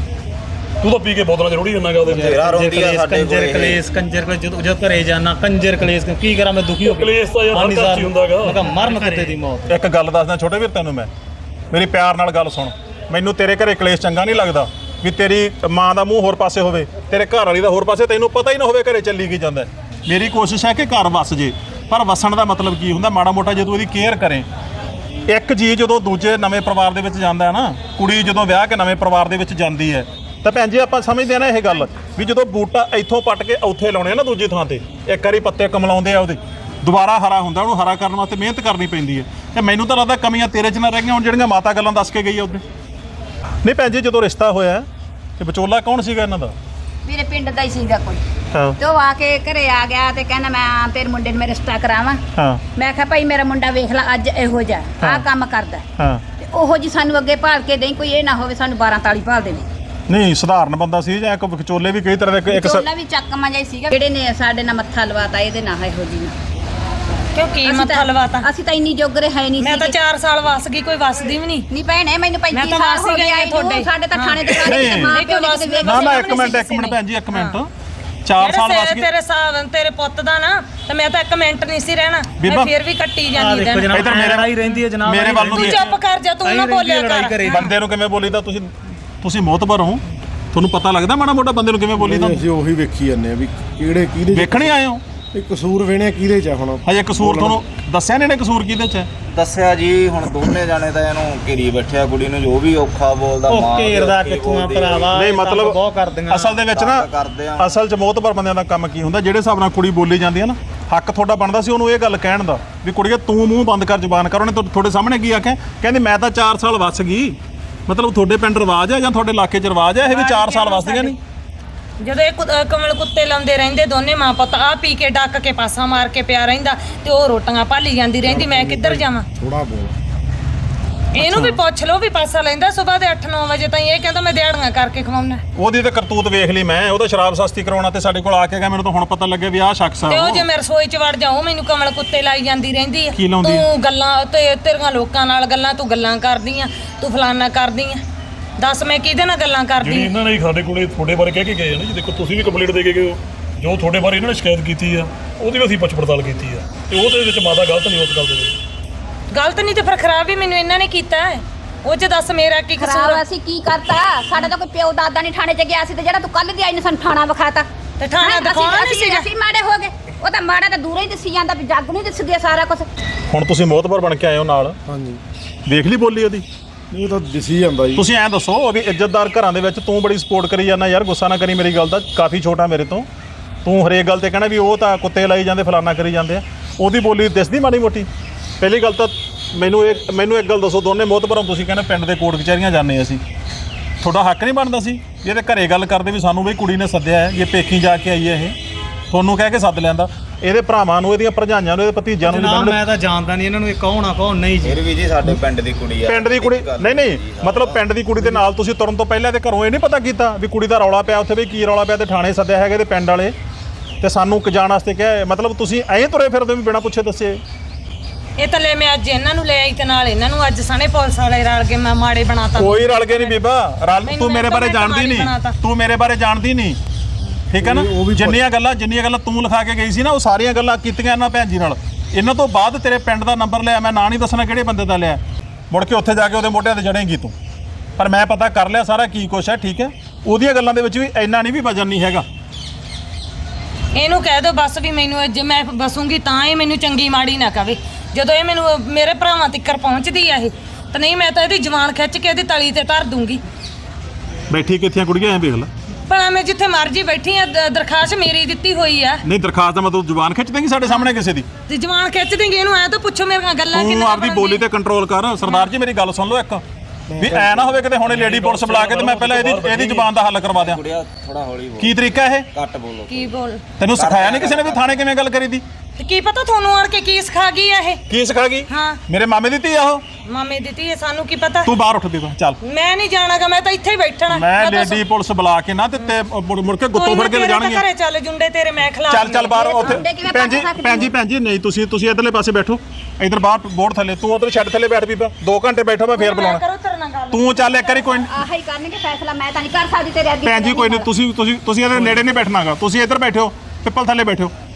B: ਤੂੰ ਤਾਂ ਪੀ ਕੇ ਬੋਤਲਾਂ ਜ਼ਰੂਰੀ ਜੰਨਾਗਾ ਉਹਦੇ
F: ਤੇਰਾ ਰੋਂਦੀ ਆ ਸਾਡੇ
H: ਕੰਜਰ
F: ਕੋਲੇ
H: ਕਲੇਸ਼ ਕੰਜਰ ਕਲੇਸ਼ ਜਦੋਂ ਜਦ ਘਰੇ ਜਾਣਾ ਕੰਜਰ ਕਲੇਸ਼ ਕੀ ਕਰਾਂ ਮੈਂ ਦੁਖੀ ਹੋ ਗਿਆ
B: ਕਲੇਸ਼ ਤਾਂ ਯਾਰ ਹਰ ਘਰ 'ਚ ਹੀ ਹੁੰਦਾ ਗਾ।
H: ਮੈਂ ਕਿਹਾ ਮਰਨ ਕੁੱਤੇ ਦੀ ਮੌਤ
A: ਇੱਕ ਗੱਲ ਦੱਸਦਾ ਛੋਟੇ ਵੀਰ ਤੈਨੂੰ ਮੈਂ ਮੇਰੀ ਪਿਆਰ ਨਾਲ ਗੱਲ ਸੁਣ ਮੈਨੂੰ ਤੇਰੇ ਘਰੇ ਕਲੇਸ਼ ਚੰਗਾ ਨਹੀਂ ਲੱਗਦਾ ਵੀ ਤੇਰੀ ਮਾਂ ਦਾ ਮੂੰਹ ਹੋਰ ਪਾਸੇ ਹੋਵੇ ਤੇਰੇ ਘਰ ਵਾਲੀ ਦਾ ਹੋਰ ਪਾਸੇ ਤੈਨੂੰ ਪਤਾ ਹੀ ਨਾ ਹੋਵੇ ਘਰੇ ਚੱਲੀ ਕੀ ਜਾਂਦਾ ਮੇਰੀ ਕੋਸ਼ਿਸ਼ ਹੈ ਕਿ ਘਰ ਵਸ ਜੇ ਪਰ ਵਸਣ ਦਾ ਮਤਲਬ ਕੀ ਹੁੰਦਾ ਮਾੜਾ ਮੋਟਾ ਜੇ ਤੂੰ ਇਹਦੀ ਕੇਅਰ ਕਰੇ ਇੱਕ ਜੀ ਜਦੋਂ ਦੂਜੇ ਨਵੇਂ ਪਰਿਵਾਰ ਦੇ ਵਿੱਚ ਜਾਂਦਾ ਹੈ ਨਾ ਕੁੜੀ ਜਦੋਂ ਵਿਆਹ ਕੇ ਨਵੇਂ ਪਰਿਵਾਰ ਦੇ ਵਿੱਚ ਜਾਂਦੀ ਹੈ ਤਾਂ ਭੈਣ ਜੀ ਆਪਾਂ ਸਮਝਦੇ ਆ ਨਾ ਇਹ ਗੱਲ ਵੀ ਜਦੋਂ ਬੂਟਾ ਇੱਥੋਂ ਪੱਟ ਕੇ ਉੱਥੇ ਲਾਉਣੇ ਆ ਨਾ ਦੂਜੀ ਥਾਂ ਤੇ ਇੱਕ ਵਾਰੀ ਪੱਤੇ ਕਮਲਾਉਂਦੇ ਆ ਉਹਦੇ ਦੁਬਾਰਾ ਹਰਾ ਹੁੰਦਾ ਉਹਨੂੰ ਹਰਾ ਕਰਨ ਵਾਸਤੇ ਮਿਹਨਤ ਕਰਨੀ ਪੈਂਦੀ ਹੈ ਤੇ ਮੈਨੂੰ ਤਾਂ ਲੱਗਦਾ ਕਮੀਆਂ ਤੇਰੇ 'ਚ ਨਾ ਰਹਿ ਗਈਆਂ ਹੁਣ ਜਿਹੜੀਆਂ ਮਾਤਾ ਗੱਲਾਂ ਦੱਸ ਕੇ ਗਈ ਆ ਉਹਦੇ ਨਹੀਂ ਭੈਣ ਜੀ ਜਦੋਂ ਰਿਸ਼ਤਾ ਹੋਇਆ ਤੇ ਵਿਚੋਲਾ ਕੌਣ ਸੀਗਾ ਇਹਨਾਂ ਦਾ
D: ਮੇਰੇ ਪਿੰਡ ਦਾ ਹੀ ਸੀਗਾ ਕੋਈ
A: ਹਾਂ
D: ਤੇ ਉਹ ਆ ਕੇ ਘਰੇ ਆ ਗਿਆ ਤੇ ਕਹਿੰਦਾ ਮੈਂ ਤੇਰੇ ਮੁੰਡੇ ਨੂੰ ਮੈਂ ਰਿਸ਼ਤਾ ਕਰਾਵਾਂ
A: ਹਾਂ
D: ਮੈਂ ਕਿਹਾ ਭਾਈ ਮੇਰਾ ਮੁੰਡਾ ਵੇਖ ਲੈ ਅੱਜ ਇਹੋ ਜਿਹਾ ਆਹ ਕੰਮ ਕਰਦਾ
A: ਹਾਂ
D: ਤੇ ਉਹੋ ਜੀ ਸਾਨੂੰ ਅੱਗੇ ਭਾਲ ਕੇ ਦੇਈ ਕੋਈ ਇਹ ਨਾ ਹੋਵੇ ਸਾਨੂੰ ਬਾਰਾਂ ਤਾਲੀ ਭਾਲ ਦੇਵੇ
A: ਨਹੀਂ ਸਧਾਰਨ ਬੰਦਾ ਸੀ ਜਾਂ ਇੱਕ ਵਿਚੋਲੇ ਵੀ ਕਈ ਤਰ੍ਹਾਂ ਦੇ ਇੱਕ
D: ਚੋਲਾ ਵੀ ਚੱਕਮਾ ਜਿਹਾ ਸੀਗਾ ਜਿਹੜੇ ਨੇ ਸਾਡੇ ਨਾਲ ਮੱਥਾ ਲਵਾਤਾ ਇਹਦੇ ਨਾਲ ਇਹੋ ਜੀ ਨਾਲ
I: ਕਿਉਂ ਕੀ
D: ਅਸੀਂ
I: ਮੱਥਾ
D: ਤਾਂ-
I: ਲਵਾਤਾ
D: ਅਸੀਂ ਤਾਂ ਇੰਨੀ ਜੋਗਰੇ ਹੈ ਨਹੀਂ
I: ਮੈਂ ਤਾਂ
D: ਸੀਗੇ।
I: ਚਾਰ ਸਾਲ ਵਸ ਗਈ ਕੋਈ ਵਸਦੀ ਵੀ ਨਹੀਂ
D: ਨਹੀਂ ਭੈਣੇ ਮੈਨੂੰ
I: ਮੈਂ
D: ਪੈਂਤੀ
I: ਤਾਂ
D: ਸਾਲ
I: ਵਸ
D: ਹੋ
I: ਹੀ
D: ਗਏ
I: ਗਈ
D: ਆਈ
I: ਤੁਹਾਡੇ।
D: ਨੂੰ ਸਾਡੇ ਤਾਂ ਥਾਣੇ ਦੇ
A: ਨਹੀਂ।
D: ਸਾਰੇ ਮਾਂ
I: ਨਹੀਂ,
D: ਪਿਓ ਨੇ
I: ਕੋਈ
D: ਕਿਤੇ
I: ਵਸ-
D: ਵੇਖ
A: ਨਾ ਨਾ
I: ਕਿਸੇ
A: ਇੱਕ ਮਿੰਟ ਇੱਕ ਮਿੰਟ ਭੈਣ ਜੀ ਇੱਕ ਮਿੰਟ ਚਾਰ ਸਾਲ
I: ਜਿਹੜੇ
A: ਵਸ
I: ਸਿਰ
A: ਗਏ
I: ਤੇਰੇ ਸਾਹ ਤੇਰੇ ਪੁੱਤ ਦਾ ਨਾ ਤੇ ਮੈਂ ਤਾਂ ਇੱਕ ਮਿੰਟ ਨਹੀਂ ਸੀ ਰਹਿਣਾ
A: ਬੀਬਾ,
I: ਮੈਂ ਫੇਰ ਵੀ ਕੱਟੀ
H: ਆ
I: ਜਾਂਦੀ
H: ਦੇਖੋ
I: ਦਿਨ
H: ਜਨਾਬ
A: ਇੱਧਰ ਮੇਰੇ-
H: ਲੜਾਈ ਰਹਿੰਦੀ ਹੈ ਜਨਾਬ
A: ਮੇਰੇ ਵੱਲ ਨੂੰ
I: ਤੂੰ
A: ਵੀ-
I: ਚੁੱਪ ਕਰ ਜਾ ਤੂੰ ਨਾ ਬੋਲਿਆ ਕਰ
A: ਬੰਦੇ ਨੂੰ ਕਿਵੇਂ ਬੋਲੀਦਾ ਤੁਸੀਂ ਤੁਸੀਂ ਮੋਤਬਰ ਹੋ ਤੁਹਾਨੂੰ ਪਤਾ ਲੱਗਦਾ ਮਾੜਾ ਮੋਟਾ ਬੰਦੇ ਨੂੰ ਕਿਵੇਂ ਬੋਲੀਦਾ
G: ਅਸੀਂ ਉਹੀ ਵੇਖੀ ਜਾਂਦੇ ਆ ਵੀ ਕਿਹੜੇ ਕਿਹਦੇ
A: ਵੇਖਣੇ ਆਏ ਹੋ
G: ਇਹ ਕਸੂਰ ਵੇਣਿਆ ਕਿਹਦੇ ਚ ਆ ਹੁਣ?
A: ਹਜੇ ਕਸੂਰ ਤੁਹਾਨੂੰ ਦੱਸਿਆ ਨਹੀਂ ਨੇ ਕਸੂਰ ਕਿਹਦੇ ਚ ਹੈ?
F: ਦੱਸਿਆ ਜੀ ਹੁਣ ਦੋਨੇ ਜਾਣੇ ਤਾਂ ਇਹਨੂੰ ਘੇਰੀ ਬੈਠਿਆ ਕੁੜੀ ਨੂੰ, ਜੋ ਵੀ ਔਖਾ ਬੋਲਦਾ
H: ਉਹ
F: ਮਾਂ
H: ਘੇਰਦਾ
F: ਦੇ
H: ਕਿੱਥੋਂ ਆ
F: ਬੋਲਦੀ।
H: ਭਰਾਵਾ,
A: ਨਹੀਂ
H: ਇਹ ਤੰਗ
A: ਮਤਲਬ
H: ਬਹੁਤ ਕਰਦੀਆਂ।
A: ਅਸਲ ਦੇ ਵਿੱਚ ਨਾ
F: ਤੰਗ ਕਰਦੇ ਆ।
A: ਅਸਲ 'ਚ ਮੋਹਤਬਰ ਬੰਦਿਆਂ ਦਾ ਕੰਮ ਕੀ ਹੁੰਦਾ, ਜਿਹੜੇ ਹਿਸਾਬ ਨਾਲ ਕੁੜੀ ਬੋਲੀ ਜਾਂਦੀ ਹੈ ਨਾ, ਹੱਕ ਤੁਹਾਡਾ ਬਣਦਾ ਸੀ ਉਹਨੂੰ ਇਹ ਗੱਲ ਕਹਿਣ ਦਾ ਵੀ ਕੁੜੀਏ ਤੂੰ ਮੂੰਹ ਬੰਦ ਕਰ ਜ਼ੁਬਾਨ ਕਰ। ਉਹਨੇ ਤੁਹਾ- ਤੁਹਾਡੇ ਸਾਹਮਣੇ ਕੀ ਆਖਿਆ? ਕਹਿੰਦੀ ਮੈਂ ਤਾਂ ਚਾਰ ਸਾਲ ਵੱਸ ਗਈ। ਮਤਲਬ ਤੁਹਾਡੇ ਪਿੰਡ ਰਿਵਾਜ ਹੈ ਜਾਂ ਤੁਹਾਡੇ ਇਲਾਕੇ 'ਚ ਰਿਵਾਜ ਹੈ ਇਹ ਵੀ ਚਾਰ ਸਾਲ ਵੱਸਦੀਆਂ ਨਹੀਂ?
I: ਜਦੋਂ ਇਹ ਕੁ- ਅਹ ਕਮਲ ਕੁੱਤੇ ਲਾਉਂਦੇ ਰਹਿੰਦੇ ਦੋਨੇ ਮਾਂ ਪੁੱਤ, ਆ ਪੀ ਕੇ ਡੱਕ ਕੇ ਪਾਸਾ ਮਾਰ ਕੇ ਪਿਆ ਰਹਿੰਦਾ ਤੇ ਉਹ ਰੋਟੀਆਂ ਭਾਲੀ ਜਾਂਦੀ ਰਹਿੰਦੀ, ਮੈਂ ਕਿੱਧਰ ਜਾਵਾਂ?
G: ਥੋੜਾ ਬੋਲ।
I: ਇਹਨੂੰ ਵੀ ਪੁੱਛ ਲਓ ਵੀ ਪਾਸਾ ਲੈਂਦਾ ਸਵੇਰ ਦੇ ਅੱਠ ਨੌ ਵਜੇ ਤਾਈਂ, ਇਹ ਕਹਿੰਦਾ ਮੈਂ ਦਿਹਾੜੀਆਂ ਕਰਕੇ ਖਵਾਉਣਾ।
A: ਉਹਦੀ ਤੇ ਕਰਤੂਤ ਵੇਖ ਲਈ ਮੈਂ, ਉਹਦਾ ਸ਼ਰਾਬ ਸਸਤੀ ਕਰਾਉਣਾ ਤੇ ਸਾਡੇ ਕੋਲ ਆ ਕੇ ਗਿਆ, ਮੈਨੂੰ ਤਾਂ ਹੁਣ ਪਤਾ ਲੱਗਿਆ ਵੀ ਆਹ ਸ਼ਖਸ ਆ
I: ਤੇ ਉਹ
A: ਉਹ।
I: ਜੇ ਮੈਂ ਰਸੋਈ 'ਚ ਵੜ ਜਾਉ ਮੈਨੂੰ ਕਮਲ ਕੁੱਤੇ ਲਾਈ ਜਾਂਦੀ ਰਹਿੰਦੀ ਆ।
A: ਕੀ ਲਾਉਂਦੀ ਆ?
I: ਤੂੰ ਗੱਲਾਂ ਤੇ ਤੇਰੀਆਂ ਲੋਕਾਂ ਨਾਲ ਗੱਲਾਂ, ਤੂੰ ਗੱਲਾਂ ਕਰਦੀ ਆ, ਤੂੰ ਫਲਾਨਾ ਕਰਦੀ ਆ। ਦੱਸ ਮੈਂ ਕਿਹਦੇ ਨਾਲ ਗੱਲਾਂ
B: ਜਿਹੜੀ
I: ਕਰਦੀ ਆ?
B: ਇਹਨਾਂ ਨੇ ਸਾਡੇ ਕੋਲੇ ਤੁਹਾਡੇ ਬਾਰੇ ਕਹਿ ਕੇ ਗਏ ਆ ਨਾ ਜੀ, ਦੇਖੋ ਤੁਸੀਂ ਵੀ ਕੰਪਲੀਟ ਦੇ ਕੇ ਗਏ ਹੋ, ਜੋ ਤੁਹਾਡੇ ਬਾਰੇ ਇਹਨਾਂ ਨੇ ਸ਼ਿਕਾਇਤ ਕੀਤੀ ਆ ਉਹਦੀ ਵੀ ਅਸੀਂ ਪੁੱਛ ਪੜਤਾਲ ਕੀਤੀ ਆ, ਤੇ ਉਹਦੇ ਵਿੱਚ ਮਾਦਾ ਗਲਤ ਨਹੀਂ ਉਸ ਗੱਲ ਦੇ ਵਿੱਚ।
I: ਗਲਤ ਨਹੀਂ ਤੇ ਫਿਰ ਖਰਾਬ ਵੀ ਮੈਨੂੰ ਇਹਨਾਂ ਨੇ ਕੀਤਾ ਹੈ। ਉਹ 'ਚ ਦੱਸ ਮੇਰਾ ਕੀ ਕਸੂਰ
D: ਖਰਾਬ
I: ਆ?
D: ਅਸੀਂ ਕੀ ਕਰਤਾ? ਸਾਡਾ ਤਾਂ ਕੋਈ ਪਿਓ ਦਾਦਾ ਨਹੀਂ ਥਾਣੇ 'ਚ ਗਿਆ ਸੀ ਤੇ ਜਿਹੜਾ ਤੂੰ ਕੱਲ ਦੀ ਆਈ ਨੇ ਸਾਨੂੰ ਥਾਣਾ ਵਿਖਾਤਾ।
I: ਤੇ ਥਾਣਾ
D: ਹੈਂ,
I: ਦਿਖਾਉਣਾ
D: ਅਸੀਂ-
I: ਨਹੀਂ
D: ਅਸੀਂ-
I: ਸੀਗਾ।
D: ਅਸੀਂ ਮਾੜੇ ਹੋ ਗਏ। ਉਹ ਤਾਂ ਮਾੜਾ ਤਾਂ ਦੂਰੋਂ ਹੀ ਦਿਸੀ ਜਾਂਦਾ ਵੀ ਜੱਗ ਨਹੀਂ ਦਿਸ ਗਿਆ ਸਾਰਾ ਕੁਝ।
A: ਹੁਣ ਤੁਸੀਂ ਮੋਹਤਬਰ ਬਣ ਕੇ ਆਏ ਹੋ ਨਾਲ,
G: ਹਾਂਜੀ
A: ਦੇਖ ਲਈ ਬੋਲੀ ਉਹਦੀ।
G: ਇਹ ਤਾਂ ਦਿਸੀ ਜਾਂਦਾ ਜੀ।
A: ਤੁਸੀਂ ਐਂ ਦੱਸੋ ਵੀ ਇੱਜ਼ਤਦਾਰ ਘਰਾਂ ਦੇ ਵਿੱਚ ਤੂੰ ਬੜੀ ਸਪੋਰਟ ਕਰੀ ਜਾਂਦਾ ਯਾਰ, ਗੁੱਸਾ ਨਾ ਕਰੀ ਮੇਰੀ ਗੱਲ ਦਾ, ਕਾਫੀ ਛੋਟਾ ਮੇਰੇ ਤੋਂ, ਤੂੰ ਹਰੇਕ ਗੱਲ ਤੇ ਕਹਿਣਾ ਵੀ ਉਹ ਤਾਂ ਕੁੱਤੇ ਲਾਈ ਜਾਂਦੇ ਫਲਾਨਾ ਕਰੀ ਜਾਂਦੇ ਆ। ਉਹਦੀ ਬੋਲੀ ਦਿਸਦੀ ਮਾੜੀ ਮੋਟੀ? ਪਹਿਲੀ ਗੱਲ ਤਾਂ ਮੈਨੂੰ ਇਹ ਮੈਨੂੰ ਇੱਕ ਗੱਲ ਦੱਸੋ, ਦੋਨੇ ਮੋਹਤਬਰਾਂ ਤੁਸੀਂ ਕਹਿੰਦੇ ਪਿੰਡ ਦੇ ਕੋਰਟ ਕਚਹਿਰੀਆਂ ਜਾਂਦੇ ਅਸੀਂ, ਤੁਹਾਡਾ ਹੱਕ ਨਹੀਂ ਬਣਦਾ ਸੀ ਜੇ ਇਹਦੇ ਘਰੇ ਗੱਲ ਕਰਦੇ ਵੀ ਸਾਨੂੰ ਵੀ ਕੁੜੀ ਨੇ ਸੱਦਿਆ ਹੈ, ਇਹ ਪੇਕੀ ਜਾ ਕੇ ਆਈ ਹੈ, ਇਹ ਤੁਹਾਨੂੰ ਕਹਿ ਕੇ ਸੱਦ ਲੈਂਦਾ, ਇਹਦੇ ਭਰਾਵਾਂ ਨੂੰ, ਇਹਦੀਆਂ ਭਰਜਾਈਆਂ ਨੂੰ, ਇਹਦੇ ਭਤੀਜਿਆਂ ਨੂੰ
H: ਜਨਾਬ
A: ਨਹੀਂ
H: ਮੈਂ ਤਾਂ ਜਾਣਦਾ ਨਹੀਂ ਇਹਨਾਂ ਨੂੰ, ਇਹ ਕੌਣ ਆ ਕੌਣ ਨਹੀਂ ਜੀ।
F: ਫਿਰ ਵੀ ਜੀ ਸਾਡੇ ਪਿੰਡ ਦੀ ਕੁੜੀ ਆ।
A: ਪਿੰਡ ਦੀ ਕੁੜੀ ਨਹੀਂ ਨਹੀਂ ਮਤਲਬ ਪਿੰਡ ਦੀ ਕੁੜੀ ਦੇ ਨਾਲ ਤੁਸੀਂ ਤੁਰਨ ਤੋਂ ਪਹਿਲਾਂ ਤੇ ਘਰੋਂ ਇਹ ਨਹੀਂ ਪਤਾ ਕੀਤਾ ਵੀ ਕੁੜੀ ਦਾ ਰੌਲਾ ਪਿਆ ਉੱਥੇ, ਵੀ ਕੀ ਰੌਲਾ ਪਿਆ, ਤੇ ਥਾਣੇ ਸੱਦਿਆ ਹੈਗਾ ਤੇ ਪਿੰਡ ਵਾਲੇ ਤੇ ਸਾਨੂੰ ਜਾਣ ਵਾਸਤੇ ਕਿਹਾ? ਮਤਲਬ ਤੁਸੀਂ ਐਂ ਤੁਰੇ ਫਿਰਦੇ ਵੀ ਬਿਨਾਂ ਪੁੱਛੇ ਦੱਸੇ?
I: ਇਹ ਤਾਂ ਲੈ ਮੈਂ ਅੱਜ ਇਹਨਾਂ ਨੂੰ ਲੈ ਆਈ ਤੇ ਨਾਲ ਇਹਨਾਂ ਨੂੰ ਅੱਜ ਸਣੇ ਪੁਲਿਸ ਵਾਲੇ ਰਲ ਕੇ ਮੈਂ ਮਾੜੇ ਬਣਾਤਾ।
A: ਕੋਈ ਰਲ ਕੇ ਨਹੀਂ ਬੀਬਾ, ਰਲ
I: ਮੈਨੂੰ
A: ਤੂੰ ਮੇਰੇ ਬਾਰੇ
I: ਮੈਂ
A: ਜਾਣਦੀ ਨਹੀਂ,
I: ਬਣਾਤਾ।
A: ਤੂੰ ਮੇਰੇ ਬਾਰੇ ਜਾਣਦੀ ਨਹੀਂ, ਠੀਕ ਹੈ ਨਾ?
G: ਉਹ ਵੀ
A: ਜਿੰਨੀਆਂ ਗੱਲਾਂ ਜਿੰਨੀਆਂ ਗੱਲਾਂ ਤੂੰ ਲਿਖਾ ਕੇ ਗਈ ਸੀ ਨਾ, ਉਹ ਸਾਰੀਆਂ ਗੱਲਾਂ ਕੀਤੀਆਂ ਇਹਨਾਂ ਭੈਣ ਜੀ ਨਾਲ। ਇਹਨਾਂ ਤੋਂ ਬਾਅਦ ਤੇਰੇ ਪਿੰਡ ਦਾ ਨੰਬਰ ਲਿਆ, ਮੈਂ ਨਾਂ ਨਹੀਂ ਦੱਸਣਾ ਕਿਹੜੇ ਬੰਦੇ ਦਾ ਲਿਆ, ਮੁੜ ਕੇ ਉੱਥੇ ਜਾ ਕੇ ਉਹਦੇ ਮੋਢਿਆਂ ਤੇ ਜੜੇਂਗੀ ਤੂੰ। ਪਰ ਮੈਂ ਪਤਾ ਕਰ ਲਿਆ ਸਾਰਾ ਕੀ ਕੁਛ ਹੈ, ਠੀਕ ਹੈ? ਉਹਦੀਆਂ ਗੱਲਾਂ ਦੇ ਵਿੱਚ ਵੀ ਇੰਨਾ ਨਹੀਂ ਵੀ ਵਜਨ ਨਹੀਂ ਹੈਗਾ।
I: ਇਹਨੂੰ ਕਹਿ ਦੋ ਬਸ ਵੀ ਮੈਨੂੰ ਜੇ ਮੈਂ ਬਸੂੰਗੀ ਤਾਂ ਇਹ ਮੈਨੂੰ ਚੰਗੀ ਮਾੜੀ ਨਾ ਕਵੇ। ਜਦੋਂ ਇਹ ਮੈਨੂੰ ਮੇਰੇ ਭਰਾਵਾਂ ਤੱਕਰ ਪਹੁੰਚਦੀ ਆ ਇਹ, ਤਾਂ ਨਹੀਂ ਮੈਂ ਤਾਂ ਇਹਦੀ ਜਵਾਨ ਖਿੱਚ ਕੇ ਇਹਦੀ ਤਲੀ ਤੇ ਧਰ ਦੂੰਗੀ।
A: ਬੈਠੀ ਕਿੱਥੀਆਂ ਕੁੜੀਆਂ ਐਂ ਵੇਖ ਲੈ।
I: ਭਲਾ ਮੈਂ ਜਿੱਥੇ ਮਰਜੀ ਬੈਠੀ ਆ, ਦ- ਦਰਖਾਸਤ ਮੇਰੀ ਦਿੱਤੀ ਹੋਈ ਆ।
A: ਨਹੀਂ ਦਰਖਾਸਤ ਦਾ ਮਤਲਬ ਜ਼ੁਬਾਨ ਖਿੱਚ ਦੇਂਗੀ ਸਾਡੇ ਸਾਹਮਣੇ ਕਿਸੇ ਦੀ?
I: ਤੇ ਜਵਾਨ ਖਿੱਚ ਦੇਂਗੇ ਇਹਨੂੰ, ਐ ਤਾਂ ਪੁੱਛੋ ਮੇਰੀਆਂ ਗੱਲਾਂ
A: ਤੂੰ
I: ਕਿੰਨਾ
A: ਆਪਦੀ ਬੋਲੀ ਤੇ ਕੰਟਰੋਲ ਕਰ। ਸਰਦਾਰ ਜੀ ਮੇਰੀ ਗੱਲ ਸੁਣ ਲਓ ਇੱਕ, ਵੀ ਐ ਨਾ ਹੋਵੇ ਕਿਤੇ ਹੁਣੇ ਲੇਡੀ ਪੁਲਿਸ ਬੁਲਾ ਕੇ ਤੇ ਮੈਂ ਪਹਿਲਾਂ ਇਹਦੀ ਇਹਦੀ ਜ਼ੁਬਾਨ ਦਾ ਹੱਲ ਕਰਵਾ ਦਿਆਂ।
F: ਕੁੜੀਆ ਥੋੜਾ ਹੌਲੀ ਬੋਲ,
A: ਕੀ ਤਰੀਕਾ ਇਹ?
F: ਘੱਟ ਬੋਲੋ।
I: ਕੀ ਬੋਲ
A: ਤੈਨੂੰ ਸਿਖਾਇਆ ਨਹੀਂ ਕਿਸੇ ਨੇ ਵੀ ਥਾਣੇ ਕਿਵੇਂ ਗੱਲ ਕਰੀਦੀ?
I: ਤੇ ਕੀ ਪਤਾ ਤੁਹਾਨੂੰ ਆਣ ਕੇ ਕੀ ਸਿਖਾ ਗਈ ਆ ਇਹ?
A: ਕੀ ਸਿਖਾ ਗਈ?
I: ਹਾਂ
A: ਮੇਰੇ ਮਾਮੇ ਦੀ ਧੀ ਆ ਉਹ।
I: ਮਾਮੇ ਦਿੱਤੀ ਹੈ, ਸਾਨੂੰ ਕੀ ਪਤਾ?
A: ਤੂੰ ਬਾਹਰ ਉੱਠ ਦੇ ਚੱਲ।
I: ਮੈਂ ਨਹੀਂ ਜਾਣਾਗਾ, ਮੈਂ ਤਾਂ ਇੱਥੇ ਹੀ ਬੈਠਣਾ।
A: ਮੈਂ
I: ਤਾਂ
A: ਲੇਡੀ ਪੁਲਿਸ ਬੁਲਾ ਕੇ ਨਾ ਤੇ ਤੇ ਮੁੜ ਮੁੜ ਕੇ ਗੁੱਤੋਂ ਫੜ ਕੇ ਲੈ ਜਾਣਗੇ।
I: ਘਰੇ ਚੱਲ ਜੁੰਡੇ ਤੇਰੇ ਮੈਂ ਖਿਲਾ
A: ਚੱਲ ਚੱਲ ਬਾਹਰ ਉੱਥੇ।
D: ਮੁੰਡੇ ਕਿਵੇਂ
A: ਭੈਣ ਜੀ
D: ਪੱਟ ਸਕਦੇ
A: ਭੈਣ ਜੀ ਭੈਣ ਜੀ ਨਹੀਂ ਤੁਸੀਂ ਤੁਸੀਂ ਇਧਰਲੇ ਪਾਸੇ ਬੈਠੋ, ਇਧਰ ਬਾਹਰ ਬੋਰਡ ਥੱਲੇ, ਤੂੰ ਉਧਰ ਛੱਡ ਥੱਲੇ ਬੈਠ ਬੀਬਾ, ਦੋ ਘੰਟੇ ਬੈਠੋ ਮੈਂ ਫੇਰ ਬੁਲਾਉਣਾ।
I: ਕਰੋ ਤੇਰੇ ਨਾਲ ਗੱਲ।
A: ਤੂੰ ਚੱਲ ਇੱਕ ਵਾਰੀ ਕੋਈ
D: ਆਹ ਹੀ ਕਰਨਗੇ ਫੈਸਲਾ, ਮੈਂ ਤਾਂ ਨਹੀਂ ਕਰ ਸਕਦੀ ਤੇਰੇ ਅੱਗੇ।
A: ਭੈਣ ਜੀ ਕੋਈ ਨਹੀਂ, ਤੁਸੀਂ ਤੁਸੀਂ ਤੁਸੀਂ ਇਹਦੇ ਨੇੜੇ ਨਹੀਂ ਬੈਠਣਾਗਾ, ਤੁਸੀਂ ਇੱਧਰ ਬੈਠੋ, ਪਿੱਪਲ ਥੱਲੇ ਬੈਠੋ।